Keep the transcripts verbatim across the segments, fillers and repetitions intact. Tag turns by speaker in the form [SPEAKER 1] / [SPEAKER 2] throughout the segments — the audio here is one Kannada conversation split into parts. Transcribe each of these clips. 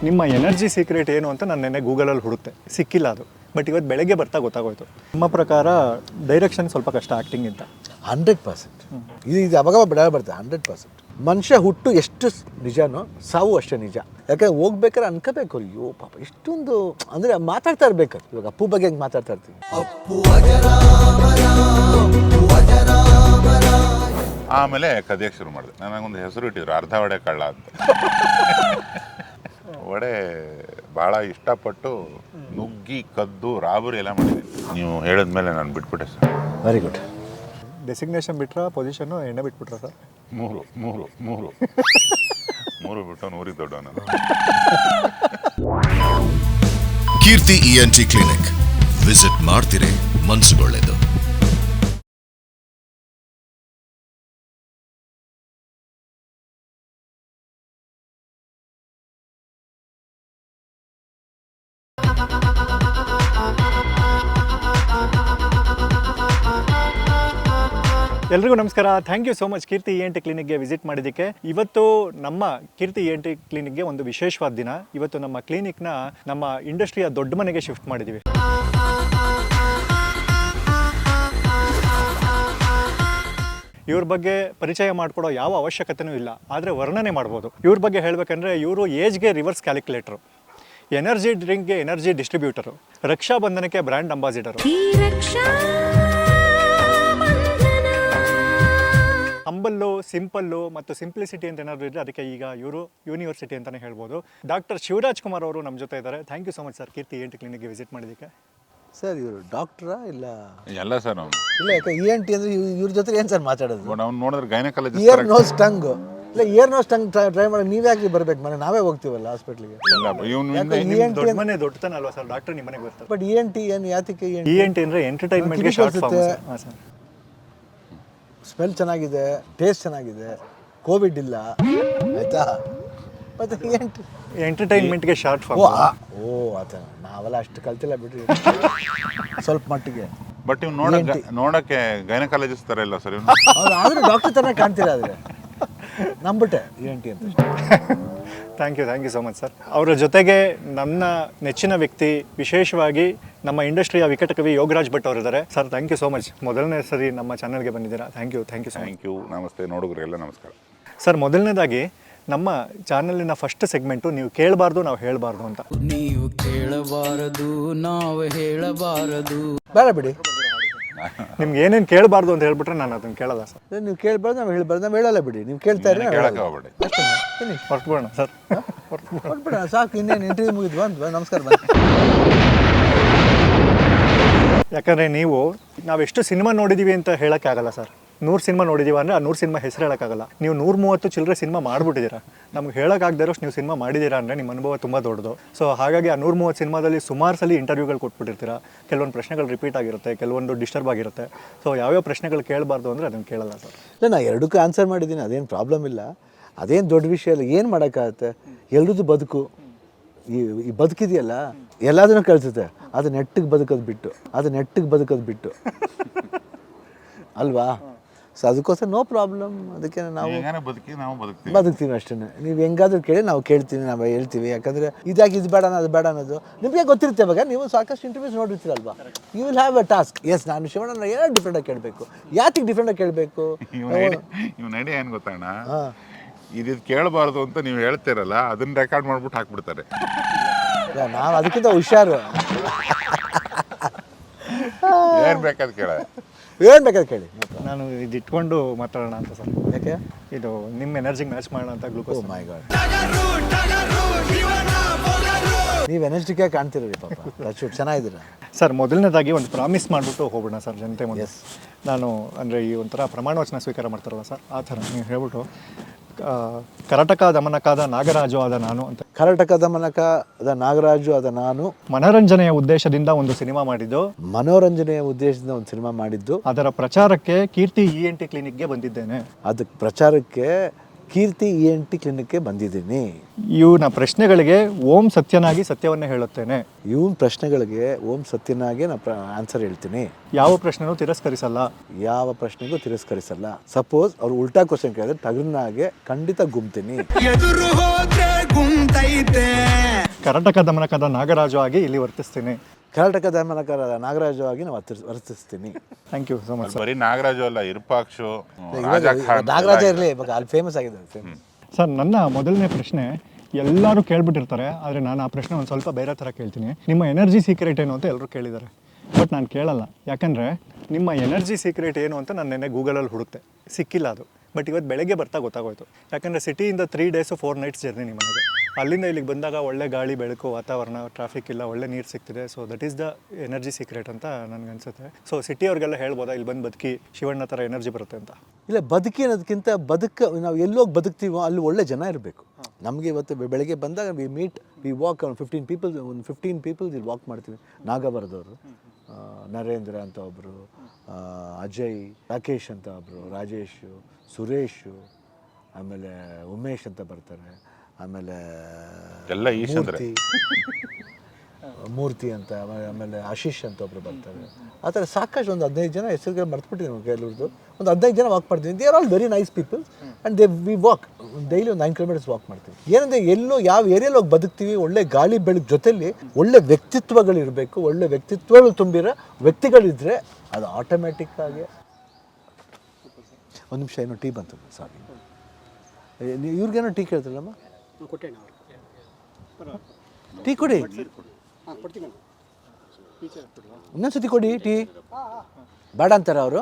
[SPEAKER 1] ನಿಮ್ಮ ಎನರ್ಜಿ ಸೀಕ್ರೆಟ್ ಏನು ಅಂತ ನಾನು ನೆನ್ನೆ ಗೂಗಲಲ್ಲಿ ಹುಡುಕ್ತೆ, ಸಿಕ್ಕಿಲ್ಲ ಅದು. ಬಟ್ ಇವತ್ತು ಬೆಳಗ್ಗೆ ಬರ್ತಾ ಗೊತ್ತಾಗೋಯ್ತು. ನಿಮ್ಮ ಪ್ರಕಾರ ಡೈರೆಕ್ಷನ್ ಸ್ವಲ್ಪ ಕಷ್ಟ ಆ್ಯಕ್ಟಿಂಗ್ ಅಂತ.
[SPEAKER 2] ಹಂಡ್ರೆಡ್ ಪರ್ಸೆಂಟ್ ಇದು ಇದು ಅವಾಗ ಬಿಡ ಬರ್ತದೆ. ಹಂಡ್ರೆಡ್ ಪರ್ಸೆಂಟ್ ಮನುಷ್ಯ ಹುಟ್ಟು ಎಷ್ಟು ನಿಜನೋ ಸಾವು ಅಷ್ಟೇ ನಿಜ. ಯಾಕಂದ್ರೆ ಹೋಗ್ಬೇಕಾದ್ರೆ ಅನ್ಕೋಬೇಕು, ಅಯ್ಯೋ ಪಾಪ ಇಷ್ಟೊಂದು ಅಂದರೆ ಮಾತಾಡ್ತಾ ಇರ್ಬೇಕು. ಇವಾಗ ಅಪ್ಪು ಬಗ್ಗೆ ಹೆಂಗೆ ಮಾತಾಡ್ತಾ ಇರ್ತೀವಿ,
[SPEAKER 3] ಆಮೇಲೆ ಕದಿಯಕ್ಕೆ ಶುರು ಮಾಡಿದೆ. ನನಗೊಂದು ಹೆಸರು ಇಟ್ಟಿದ್ರು, ಅರ್ಧ ವಡೆ ಕಳ್ಳ ಅಂತ. ವಡೆ ಭಾಳ ಇಷ್ಟಪಟ್ಟು ನುಗ್ಗಿ ಕದ್ದು ರಾಬರಿ ಎಲ್ಲ ಮಾಡಿದ್ದೀನಿ. ನೀವು ಹೇಳಿದ್ಮೇಲೆ ನಾನು ಬಿಟ್ಬಿಟ್ಟೆ ಸರ್.
[SPEAKER 2] Very good.
[SPEAKER 1] ಡೆಸಿಗ್ನೇಷನ್ ಬಿಟ್ರಾ, ಪೊಸಿಷನ್ನು ಎಣ್ಣೆ ಬಿಟ್ಬಿಟ್ರಾ ಸರ್?
[SPEAKER 3] ಮೂರು ಮೂರು ಮೂರು ಮೂರು ಬಿಟ್ಟು ನೂರಿಗೆ ದೊಡ್ಡ ನಾನು.
[SPEAKER 4] Keerthi E N T clinic visit ಮಾಡ್ತೀರಿ, ಮನಸ್ಸುಗೊಳ್ಳೆದು.
[SPEAKER 1] ಎಲ್ರಿಗೂ ನಮಸ್ಕಾರ. Thank you so much Keerthi E N T ಕ್ಲಿನಿಕ್ಗೆ ವಿಸಿಟ್ ಮಾಡಿದ್ದಕ್ಕೆ. ಇವತ್ತು ನಮ್ಮ ಕೀರ್ತಿ ಇ ಎನ್ ಟಿ ಕ್ಲಿನಿಕ್ಗೆ ಒಂದು ವಿಶೇಷವಾದ ದಿನ. ಇವತ್ತು ನಮ್ಮ ಕ್ಲಿನಿಕ್ನ ನಮ್ಮ ಇಂಡಸ್ಟ್ರಿಯ ದೊಡ್ಡ ಮನೆಗೆ ಶಿಫ್ಟ್ ಮಾಡಿದ್ದೀವಿ. ಇವ್ರ ಬಗ್ಗೆ ಪರಿಚಯ ಮಾಡಿಕೊಡೋ ಯಾವ ಅವಶ್ಯಕತೆಯೂ ಇಲ್ಲ, ಆದರೆ ವರ್ಣನೆ ಮಾಡ್ಬೋದು. ಇವ್ರ ಬಗ್ಗೆ ಹೇಳಬೇಕಂದ್ರೆ ಇವರು ಏಜ್ಗೆ ರಿವರ್ಸ್ ಕ್ಯಾಲ್ಕುಲೇಟ್ರು, ಎನರ್ಜಿ ಡ್ರಿಂಕ್ಗೆ ಎನರ್ಜಿ ಡಿಸ್ಟ್ರಿಬ್ಯೂಟರು, ರಕ್ಷಾ ಬಂಧನಕ್ಕೆ ಬ್ರ್ಯಾಂಡ್ ಅಂಬಾಸಿಡರು. ಹಂಬಲ್ಲು, ಸಿಂಪಲ್ಲು ಮತ್ತು ಸಿಂಪ್ಲಿಸಿಟಿ ಅಂತ ಏನಾದರೂ ಇದ್ದರೆ ಅದಕ್ಕೆ ಈಗ ಇವರು ಯೂನಿವರ್ಸಿಟಿ ಅಂತಲೇ ಹೇಳ್ಬೋದು. ಡಾಕ್ಟರ್ ಶಿವರಾಜ್ ಕುಮಾರ್ ಅವರು ನಮ್ಮ ಜೊತೆ ಇದ್ದಾರೆ. Thank you so much sir Keerthi E N T ಕ್ಲಿನಿಕ್ಗೆ ವಿಸಿಟ್ ಮಾಡಿದ್ದಕ್ಕೆ.
[SPEAKER 2] ಸರ್ ಇವರು ಡಾಕ್ಟ್ರಾ ಇಲ್ಲ?
[SPEAKER 3] ಎಲ್ಲ ಸರ್ ಅವ್ನು
[SPEAKER 2] ಇಲ್ಲ, ಯಾಕೆ ಇ ಎನ್ ಟಿ ಅಂದರೆ ಇವ್ರ ಜೊತೆ ಏನು ಸರ್ ಮಾತಾಡೋದು?
[SPEAKER 3] ಅವ್ನು ನೋಡಿದ್ರೆ ಗೈನಕಾಲಜಿಸ್ಟ್.
[SPEAKER 2] ಇಯರ್ ನೋಸ್ ಟಂಗ್ ಇಲ್ಲ, ಇಯರ್ ನೋಸ್ ಟಂಗ್ ಟ್ರೈ ಮಾಡಿ ನೀವು ಯಾಕೆ ಬರ್ಬೇಕು? ಮನೆ ನಾವೇ ಹೋಗ್ತೀವಲ್ಲ ಹಾಸ್ಪಿಟ್ಲಿಗೆ.
[SPEAKER 1] ದೊಡ್ಡ ಮನೆ ದೊಡ್ಡತನ ಅಲ್ವಾ ಸರ್, ಡಾಕ್ಟರ್ ನಿಮ್ಮ ಮನೆಗೆ ಬರ್ತಾರೆ.
[SPEAKER 2] ಬಟ್ ಇ ಎನ್ ಟಿ ಏನು ಯಾತಕ್ಕೆ?
[SPEAKER 1] ಇ ಎನ್ ಟಿ ಅಂದರೆ ಎಂಟರ್ಟೈನ್ಮೆಂಟ್ಗೆ ಶಾರ್ಟ್ ಫಾರ್ಮ್ ಸರ್.
[SPEAKER 2] ಸ್ಮೆಲ್ ಚೆನ್ನಾಗಿದೆ, ಟೇಸ್ಟ್ ಚೆನ್ನಾಗಿದೆ, ಕೋವಿಡ್ ಇಲ್ಲ, ಆಯ್ತಾ? ಮತ್ತೆ ಇ ಎನ್ ಟಿ
[SPEAKER 1] ಎಂಟರ್ಟೈನ್ಮೆಂಟ್ಗೆ ಶಾರ್ಟ್ ಫಾರ್ಮ್.
[SPEAKER 2] ಓ ಓ ಆತ ನಾವೆಲ್ಲ ಅಷ್ಟು ಕಲ್ತಿಲ್ಲ ಬಿಡ್ರಿ, ಸ್ವಲ್ಪ ಮಟ್ಟಿಗೆ.
[SPEAKER 3] ಬಟ್ ಇವ್ನು ನೋಡಕ್ಕೆ ನೋಡಕ್ಕೆ ಗೈನಕಾಲಜಿಸ್ಟ್ ಥರ ಇಲ್ಲ ಸರ್. ಇವ್ನು
[SPEAKER 2] ಅವ್ರು ಆದರೂ ಡಾಕ್ಟರ್ ಥರ ಕಾಣ್ತೀರ, ಆದರೆ ನಂಬಿಟ್ಟೆ ಇ ಎನ್ ಟಿ ಅಂತ.
[SPEAKER 1] Thank you thank you so much sir. ಅವರ ಜೊತೆಗೆ ನನ್ನ ನೆಚ್ಚಿನ ವ್ಯಕ್ತಿ, ವಿಶೇಷವಾಗಿ ನಮ್ಮ ಇಂಡಸ್ಟ್ರಿಯ ವಿಕಟಕವಿ ಯೋಗರಾಜ್ ಭಟ್ ಅವರಿದ್ದಾರೆ. Sir thank you so much, ಮೊದಲನೇ ಸರಿ ನಮ್ಮ ಚಾನಲ್ಗೆ ಬಂದಿದ್ದೀರಾ. Thank you thank you so much.
[SPEAKER 3] Thank you. ನಮಸ್ತೆ ನೋಡುಗರಿಗೆಲ್ಲ ನಮಸ್ಕಾರ.
[SPEAKER 1] ಸರ್, ಮೊದಲನೇದಾಗಿ ನಮ್ಮ ಚಾನಲಿನ ಫಸ್ಟ್ ಸೆಗ್ಮೆಂಟು ನೀವು ಕೇಳಬಾರ್ದು ನಾವು ಹೇಳಬಾರ್ದು ಅಂತ.
[SPEAKER 5] ನೀವು ಕೇಳಬಾರದು ನಾವು ಹೇಳಬಾರದು.
[SPEAKER 2] ಬೇಡ ಬಿಡಿ,
[SPEAKER 1] ನಿಮ್ಗೆ ಏನೇನು ಕೇಳಬಾರ್ದು ಅಂತ ಹೇಳ್ಬಿಟ್ರೆ ನಾನು ಅದನ್ನು ಕೇಳಲ್ಲ ಸರ್.
[SPEAKER 2] ನೀವು ಕೇಳಬಾರ್ದು ನಾವು ಹೇಳ್ಬಾರ್ದು, ನಾವು ಹೇಳಲ್ಲ ಬಿಡಿ. ನೀವು ಕೇಳ್ತಾ ಇದ್ರೆ
[SPEAKER 3] ಕೇಳಕ್ಕೆ ಹೋಗ್ಬೇಡಿ.
[SPEAKER 1] ಹೊರಟ್ಬಿಡೋಣ ಸರ್,
[SPEAKER 2] ಹೊರಟ್ಬಿಡೋಣ ಸಾಕು. ಇನ್ನೇನು ಇಂಟರ್ವ್ಯೂ ಮುಗಿದ್ವಾ? ನಮಸ್ಕಾರ ಬನ್ನಿ.
[SPEAKER 1] ಯಾಕಂದರೆ ನೀವು ನಾವೆಷ್ಟು ಸಿನಿಮಾ ನೋಡಿದ್ದೀವಿ ಅಂತ ಹೇಳೋಕ್ಕಾಗಲ್ಲ ಸರ್. ನೂರು ಸಿನಿಮಾ ನೋಡಿದ್ದೀವಿ ಅಂದರೆ ಆ ನೂರು ಸಿನಿಮಾ ಹೆಸರು ಹೇಳೋಕ್ಕಾಗಲ್ಲ. ನೀವು ನೂರ ಮೂವತ್ತು ಚಿಲ್ಲರೆ ಸಿನಿಮಾ ಮಾಡಿಬಿಟ್ಟಿದ್ದೀರಾ. ನಮ್ಗೆ ಹೇಳೋಕ್ಕಾಗದೇ ಇರೋಷ್ಟು ನೀವು ಸಿನಿಮಾ ಮಾಡಿದ್ದೀರಾ ಅಂದರೆ ನಿಮ್ಮ ಅನುಭವ ತುಂಬ ದೊಡ್ಡದು. ಸೊ ಹಾಗಾಗಿ ಆ ನೂರ ಮೂವತ್ತು ಸಿನಿಮಾದಲ್ಲಿ ಸುಮಾರು ಸಲ ಇಂಟರ್ವ್ಯೂಗಳು ಕೊಟ್ಬಿಟ್ಟಿರ್ತೀರಾ. ಕೆಲವೊಂದು ಪ್ರಶ್ನೆಗಳು ರಿಪೀಟ್ ಆಗಿರುತ್ತೆ, ಕೆಲವೊಂದು ಡಿಸ್ಟರ್ಬ್ ಆಗಿರುತ್ತೆ. ಸೊ ಯಾವ್ಯಾವ ಪ್ರಶ್ನೆಗಳು ಕೇಳಬಾರ್ದು ಅಂದರೆ ಅದನ್ನು ಕೇಳಲ್ಲ ಸರ್.
[SPEAKER 2] ಇಲ್ಲ, ನಾನು ಎರಡಕ್ಕೂ ಆನ್ಸರ್ ಮಾಡಿದ್ದೀನಿ, ಅದೇನು ಪ್ರಾಬ್ಲಮ್ ಇಲ್ಲ, ಅದೇನು ದೊಡ್ಡ ವಿಷಯ ಇಲ್ಲ. ಏನು ಮಾಡೋಕ್ಕಾಗತ್ತೆ? ಎಲ್ರದ್ದು ಬದುಕು, ಈ ಈ ಬದುಕಿದೆಯಲ್ಲ ಎಲ್ಲದನ್ನೂ ಕಳಿಸುತ್ತೆ. ಅದು ನೆಟ್ಟಿಗೆ ಬದುಕೋದು ಬಿಟ್ಟು ಅದು ನೆಟ್ಟಿಗೆ ಬದುಕೋದು ಬಿಟ್ಟು ಅಲ್ವಾ? ಸೊ ಅದಕ್ಕೋಸ್ಕರ ನೋ ಪ್ರಾಬ್ಲಮ್. ಅದಕ್ಕೆ ನಾವು
[SPEAKER 3] ಬದುಕಿ ನಾವು ಬದುಕ್ತೀವಿ
[SPEAKER 2] ಬದುಕ್ತೀವಿ ಅಷ್ಟೇ. ನೀವು ಹೆಂಗಾದ್ರೂ ಕೇಳಿ ನಾವು ಕೇಳ್ತೀವಿ, ನಾವು ಹೇಳ್ತೀವಿ. ಯಾಕಂದರೆ ಇದಾಗಿ ಇದು ಬೇಡ ಅದು ಬೇಡ ಅನ್ನೋದು ನಿಮಗೆ ಗೊತ್ತಿರುತ್ತೆ. ಇವಾಗ ನೀವು ಸಾಕಷ್ಟು ಇಂಟರ್ವ್ಯೂಸ್ ನೋಡಿರ್ತೀರಲ್ವಾ, you will have a task. Yes, ನಾನು ಶಿವಣ್ಣ ಏನೋ ಡಿಫ್ರೆಂಟಾಗಿ ಕೇಳಬೇಕು. ಯಾತಿಗೆ ಡಿಫ್ರೆಂಟಾಗಿ ಕೇಳಬೇಕು?
[SPEAKER 3] ಇವ್ನ ಐಡಿಯಾ ಏನು ಗೊತ್ತಣ್ಣ, ಇದು ಕೇಳಬಾರ್ದು ಅಂತ ನೀವು ಹೇಳ್ತೀರಲ್ಲ, ಅದನ್ನ ರೆಕಾರ್ಡ್ ಮಾಡ್ಬಿಟ್ಟು ಹಾಕ್ಬಿಡ್ತಾರೆ.
[SPEAKER 2] ನಾವು ಅದಕ್ಕಿಂತ ಹುಷಾರು.
[SPEAKER 3] ಏನು ಬೇಕಾದ ಕೇಳ,
[SPEAKER 2] ಏನು ಬೇಕಾದ್ರೆ ಕೇಳಿ.
[SPEAKER 1] ನಾನು ಇದು ಇಟ್ಕೊಂಡು ಮಾತಾಡೋಣ ಅಂತ ಸರ್.
[SPEAKER 2] ಯಾಕೆ?
[SPEAKER 1] ಇದು ನಿಮ್ಮ ಎನರ್ಜಿಗೆ ಮ್ಯಾಚ್ ಮಾಡೋಣ ಅಂತ ಗ್ಲೂಕೋಸ್.
[SPEAKER 2] ಮೈ ಗಾಡ್, ನೀವು ಎನರ್ಜಿಗೆ ಕಾಣ್ತಿರೋರಿ ಪಾಪ. ಅಷ್ಟು ಚೆನ್ನಾಗಿದ್ದೀರಾ
[SPEAKER 1] ಸರ್. ಮೊದಲನೇದಾಗಿ ಒಂದು ಪ್ರಾಮಿಸ್ ಮಾಡಿಬಿಟ್ಟು ಹೋಗೋಣ ಸರ್ ಜನತೆ ಮುಂದೆ. ನಾನು ಅಂದರೆ ಈ ಒಂಥರ ಪ್ರಮಾಣ ವಚನ ಸ್ವೀಕಾರ ಮಾಡ್ತಾರಲ್ಲ ಸರ್, ಆ ಥರ ನೀವು ಹೇಳ್ಬಿಟ್ಟು ಕರಟಕ ದಮನಕಾದ ನಾಗರಾಜು ಆದ ನಾನು ಅಂತ.
[SPEAKER 2] ಕರಟಕ ದಮನಕ ಅದ ನಾಗರಾಜು ಆದ ನಾನು
[SPEAKER 1] ಮನೋರಂಜನೆಯ ಉದ್ದೇಶದಿಂದ ಒಂದು ಸಿನಿಮಾ ಮಾಡಿದ್ದು.
[SPEAKER 2] ಮನೋರಂಜನೆಯ ಉದ್ದೇಶದಿಂದ ಒಂದು ಸಿನಿಮಾ ಮಾಡಿದ್ದು.
[SPEAKER 1] ಅದರ ಪ್ರಚಾರಕ್ಕೆ ಕೀರ್ತಿ ಇ ಎನ್ ಟಿ ಕ್ಲಿನಿಕ್ಗೆ ಬಂದಿದ್ದೇನೆ.
[SPEAKER 2] ಅದಕ್ಕೆ ಪ್ರಚಾರಕ್ಕೆ ಕೀರ್ತಿ ಇ ಎನ್ ಟಿ ಕ್ಲಿನಿಕ್ಗೆ ಬಂದಿದ್ದೀನಿ.
[SPEAKER 1] ಇವನ ಪ್ರಶ್ನೆಗಳಿಗೆ ಓಂ ಸತ್ಯನಾಗಿ ಸತ್ಯವನ್ನೇ ಹೇಳುತ್ತೇನೆ.
[SPEAKER 2] ಇವನ್ ಪ್ರಶ್ನೆಗಳಿಗೆ ಓಂ ಸತ್ಯನಾಗಿ ನಾನು ಆನ್ಸರ್ ಹೇಳ್ತೀನಿ.
[SPEAKER 1] ಯಾವ ಪ್ರಶ್ನೆನೂ ತಿರಸ್ಕರಿಸಲ್ಲ.
[SPEAKER 2] ಯಾವ ಪ್ರಶ್ನೆಗೂ ತಿರಸ್ಕರಿಸಲ್ಲ. ಸಪೋಸ್ ಅವ್ರು ಉಲ್ಟಾ ಕ್ವಶನ್ ಕೇಳಿದ್ರೆ ತಗರ್ನಾಗೆ ಖಂಡಿತ ಗುಮ್ತೀನಿ.
[SPEAKER 6] ಕುಂತೈತೆ.
[SPEAKER 1] ಕರ್ನಾಟಕ ದಮನಕದ ನಾಗರಾಜು ಆಗಿ ಇಲ್ಲಿ ವರ್ತಿಸ್ತೀನಿ.
[SPEAKER 2] ಕರ್ನಾಟಕ ದಮನಕರ ನಾಗರಾಜು ಆಗಿ ನಾವು ವರ್ತಿಸ್ ವರ್ತಿಸ್ತೀನಿ.
[SPEAKER 1] Thank you so much sir.
[SPEAKER 3] ಬರೀ ನಾಗರಾಜು ಅಲ್ಲ, ಇರ್ಪಾಕ್ಷು,
[SPEAKER 2] ಇವಾಗ
[SPEAKER 3] ರಾಜಾ ಖಾನ್
[SPEAKER 2] ನಾಗರಾಜ
[SPEAKER 3] ಎಲ್ಲ
[SPEAKER 2] ಇರಲಿ, ಇವಾಗ ಅಲ್ಲಿ ಫೇಮಸ್ ಆಗಿದೆ ಫೇಮಸ್.
[SPEAKER 1] ಸರ್, ನನ್ನ ಮೊದಲನೇ ಪ್ರಶ್ನೆ ಎಲ್ಲರೂ ಕೇಳ್ಬಿಟ್ಟಿರ್ತಾರೆ, ಆದರೆ ನಾನು ಆ ಪ್ರಶ್ನೆ ಒಂದು ಸ್ವಲ್ಪ ಬೇರೆ ಥರ ಕೇಳ್ತೀನಿ. ನಿಮ್ಮ ಎನರ್ಜಿ ಸೀಕ್ರೆಟ್ ಏನು ಅಂತ ಎಲ್ಲರೂ ಕೇಳಿದ್ದಾರೆ, ಬಟ್ ನಾನು ಕೇಳಲ್ಲ. ಯಾಕಂದರೆ ನಿಮ್ಮ ಎನರ್ಜಿ ಸೀಕ್ರೆಟ್ ಏನು ಅಂತ ನಾನು ನೆನ್ನೆ ಗೂಗಲಲ್ಲಿ ಹುಡುಕ್ತೆ, ಸಿಕ್ಕಿಲ್ಲ ಅದು. ಬಟ್ ಇವತ್ತು ಬೆಳಗ್ಗೆ ಬರ್ತಾ ಗೊತ್ತಾಗೋಯ್ತು. ಯಾಕಂದರೆ ಸಿಟಿಯಿಂದ three days four nights journey ನಿಮ್ಮ ಮನೆಗೆ. ಅಲ್ಲಿಂದ ಇಲ್ಲಿಗೆ ಬಂದಾಗ ಒಳ್ಳೆ ಗಾಳಿ, ಬೆಳಕು, ವಾತಾವರಣ, ಟ್ರಾಫಿಕ್ ಇಲ್ಲ, ಒಳ್ಳೆ ನೀರು ಸಿಗ್ತಿದೆ. So that is the energy secret ಅಂತ ನನಗನ್ಸುತ್ತೆ. ಸೊ ಸಿಟಿಯವ್ರಿಗೆಲ್ಲ ಹೇಳ್ಬೋದಾ ಇಲ್ಲಿ ಬಂದು ಬದುಕಿ ಶಿವಣ್ಣ ಥರ ಎನರ್ಜಿ ಬರುತ್ತೆ ಅಂತ?
[SPEAKER 2] ಇಲ್ಲ, ಬದುಕಿ ಅನ್ನೋದಕ್ಕಿಂತ ಬದುಕ ನಾವು ಎಲ್ಲೋಗಿ ಬದುಕ್ತೀವೋ ಅಲ್ಲಿ ಒಳ್ಳೆ ಜನ ಇರಬೇಕು. ನಮಗೆ ಇವತ್ತು ಬೆ- ಬೆಳಗ್ಗೆ ಬಂದಾಗ ವಿ ಮೀಟ್ ವಿ ವಾಕ್ ಒಂದು ಫಿಫ್ಟೀನ್ ಪೀಪಲ್ ಒಂದು ಫಿಫ್ಟೀನ್ ಪೀಪಲ್ಸ್ ಇಲ್ಲಿ ವಾಕ್ ಮಾಡ್ತೀವಿ. ನಾಗಬರದವರು, ನರೇಂದ್ರ ಅಂತ ಒಬ್ಬರು, ಅಜಯ್, ರಾಕೇಶ್ ಅಂತ ಒಬ್ಬರು, ರಾಜೇಶು, ಸುರೇಶು, ಆಮೇಲೆ ಉಮೇಶ್ ಅಂತ ಬರ್ತಾರೆ, ಆಮೇಲೆ
[SPEAKER 3] ಎಲ್ಲ ಈಶ್ ಅಂದ್ರೆ.
[SPEAKER 2] ಮೂರ್ತಿ ಮೂರ್ತಿ ಅಂತ, ಆಮೇಲೆ ಆಮೇಲೆ ಆಶೀಶ್ ಅಂತ ಒಬ್ರು ಬರ್ತಾರೆ. ಆ ಥರ ಸಾಕಷ್ಟು ಒಂದು ಹದಿನೈದು ಜನ ಹೆಸರುಗಳು ಮರ್ತ್ಬಿಟ್ಟಿದ್ದೀನಿ ಕೆಲವ್ರದ್ದು. ಒಂದು ಹದಿನೈದು ಜನ ವಾಕ್ ಮಾಡ್ತೀವಿ. They are all very nice people and they we walk daily ಒಂದು ನೈನ್ ಕಿಲೋಮೀಟರ್ಸ್ ವಾಕ್ ಮಾಡ್ತೀವಿ. ಏನಂದರೆ ಎಲ್ಲೋ ಯಾವ ಏರಿಯಲ್ಲಿ ಹೋಗಿ ಬದುಕ್ತೀವಿ, ಒಳ್ಳೆ ಗಾಳಿ ಬೆಳಕು ಜೊತೆಲಿ ಒಳ್ಳೆ ವ್ಯಕ್ತಿತ್ವಗಳಿರಬೇಕು. ಒಳ್ಳೆ ವ್ಯಕ್ತಿತ್ವಗಳು ತುಂಬಿರೋ ವ್ಯಕ್ತಿಗಳಿದ್ದರೆ ಅದು ಆಟೋಮ್ಯಾಟಿಕ್ ಆಗಿ. ಒಂದು ನಿಮಿಷ, ಏನೋ ಟೀ ಬಂತು, ಸಾರಿ. ಇವ್ರಿಗೇನೋ ಟೀ ಕೇಳ್ತಿಲ್ಲಮ್ಮ, ಟೀ ಕೊಡಿ, ಇನ್ನೊಂದ್ಸತಿ ಕೊಡಿ ಟೀ. ಬೇಡ ಅಂತಾರೆ ಅವರು.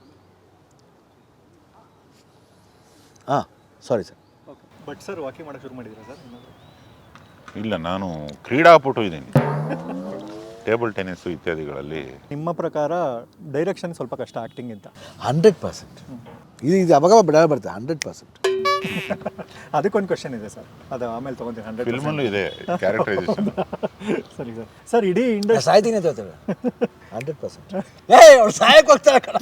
[SPEAKER 2] ಹಾಂ, sorry sir.
[SPEAKER 1] But sir, walking ಮಾಡೋಕ್ಕೆ ಶುರು ಮಾಡಿದ್ದೀರಾ ಸರ್?
[SPEAKER 3] ಇಲ್ಲ, ನಾನು ಕ್ರೀಡಾಪಟು ಇದ್ದೀನಿ. ಟೇಬಲ್ ಟೆನ್ನಿಸು ಇತ್ಯಾದಿಗಳಲ್ಲಿ.
[SPEAKER 1] ನಿಮ್ಮ ಪ್ರಕಾರ ಡೈರೆಕ್ಷನ್ ಸ್ವಲ್ಪ ಕಷ್ಟ ಆ್ಯಕ್ಟಿಂಗಿಂತ?
[SPEAKER 2] ಹಂಡ್ರೆಡ್ ಪರ್ಸೆಂಟ್ ಇದು ಇದು ಅವಾಗ ಬಿಡ ಬರ್ತದೆ. ಹಂಡ್ರೆಡ್ ಪರ್ಸೆಂಟ್
[SPEAKER 1] ಅದಕ್ಕೊಂದು ಕ್ವಶನ್ ಇದೆ ಸರ್, ಅದು ಆಮೇಲೆ ತೊಗೊತೀನಿ. ಹಂಡ್ರೆಡ್
[SPEAKER 3] ಫಿಲ್ಮಲ್ಲೂ ಇದೆ ಕ್ಯಾರೆಕ್ಟರೈಸೇಷನ್.
[SPEAKER 1] ಸರಿ ಸರ್. ಸರ್, ಇಡೀ ಇಂಡಸ್ಟ್ರಿ
[SPEAKER 2] ಸಾಯ್ತೀನಿ ಅಂತ ಹೇಳ್ತಾರೆ. ಹಂಡ್ರೆಡ್ ಪರ್ಸೆಂಟ್ ಏ ಅವ್ರು ಸಾಯಕ್ಕೆ ಹೋಗ್ತಾರೆ ಕಣ.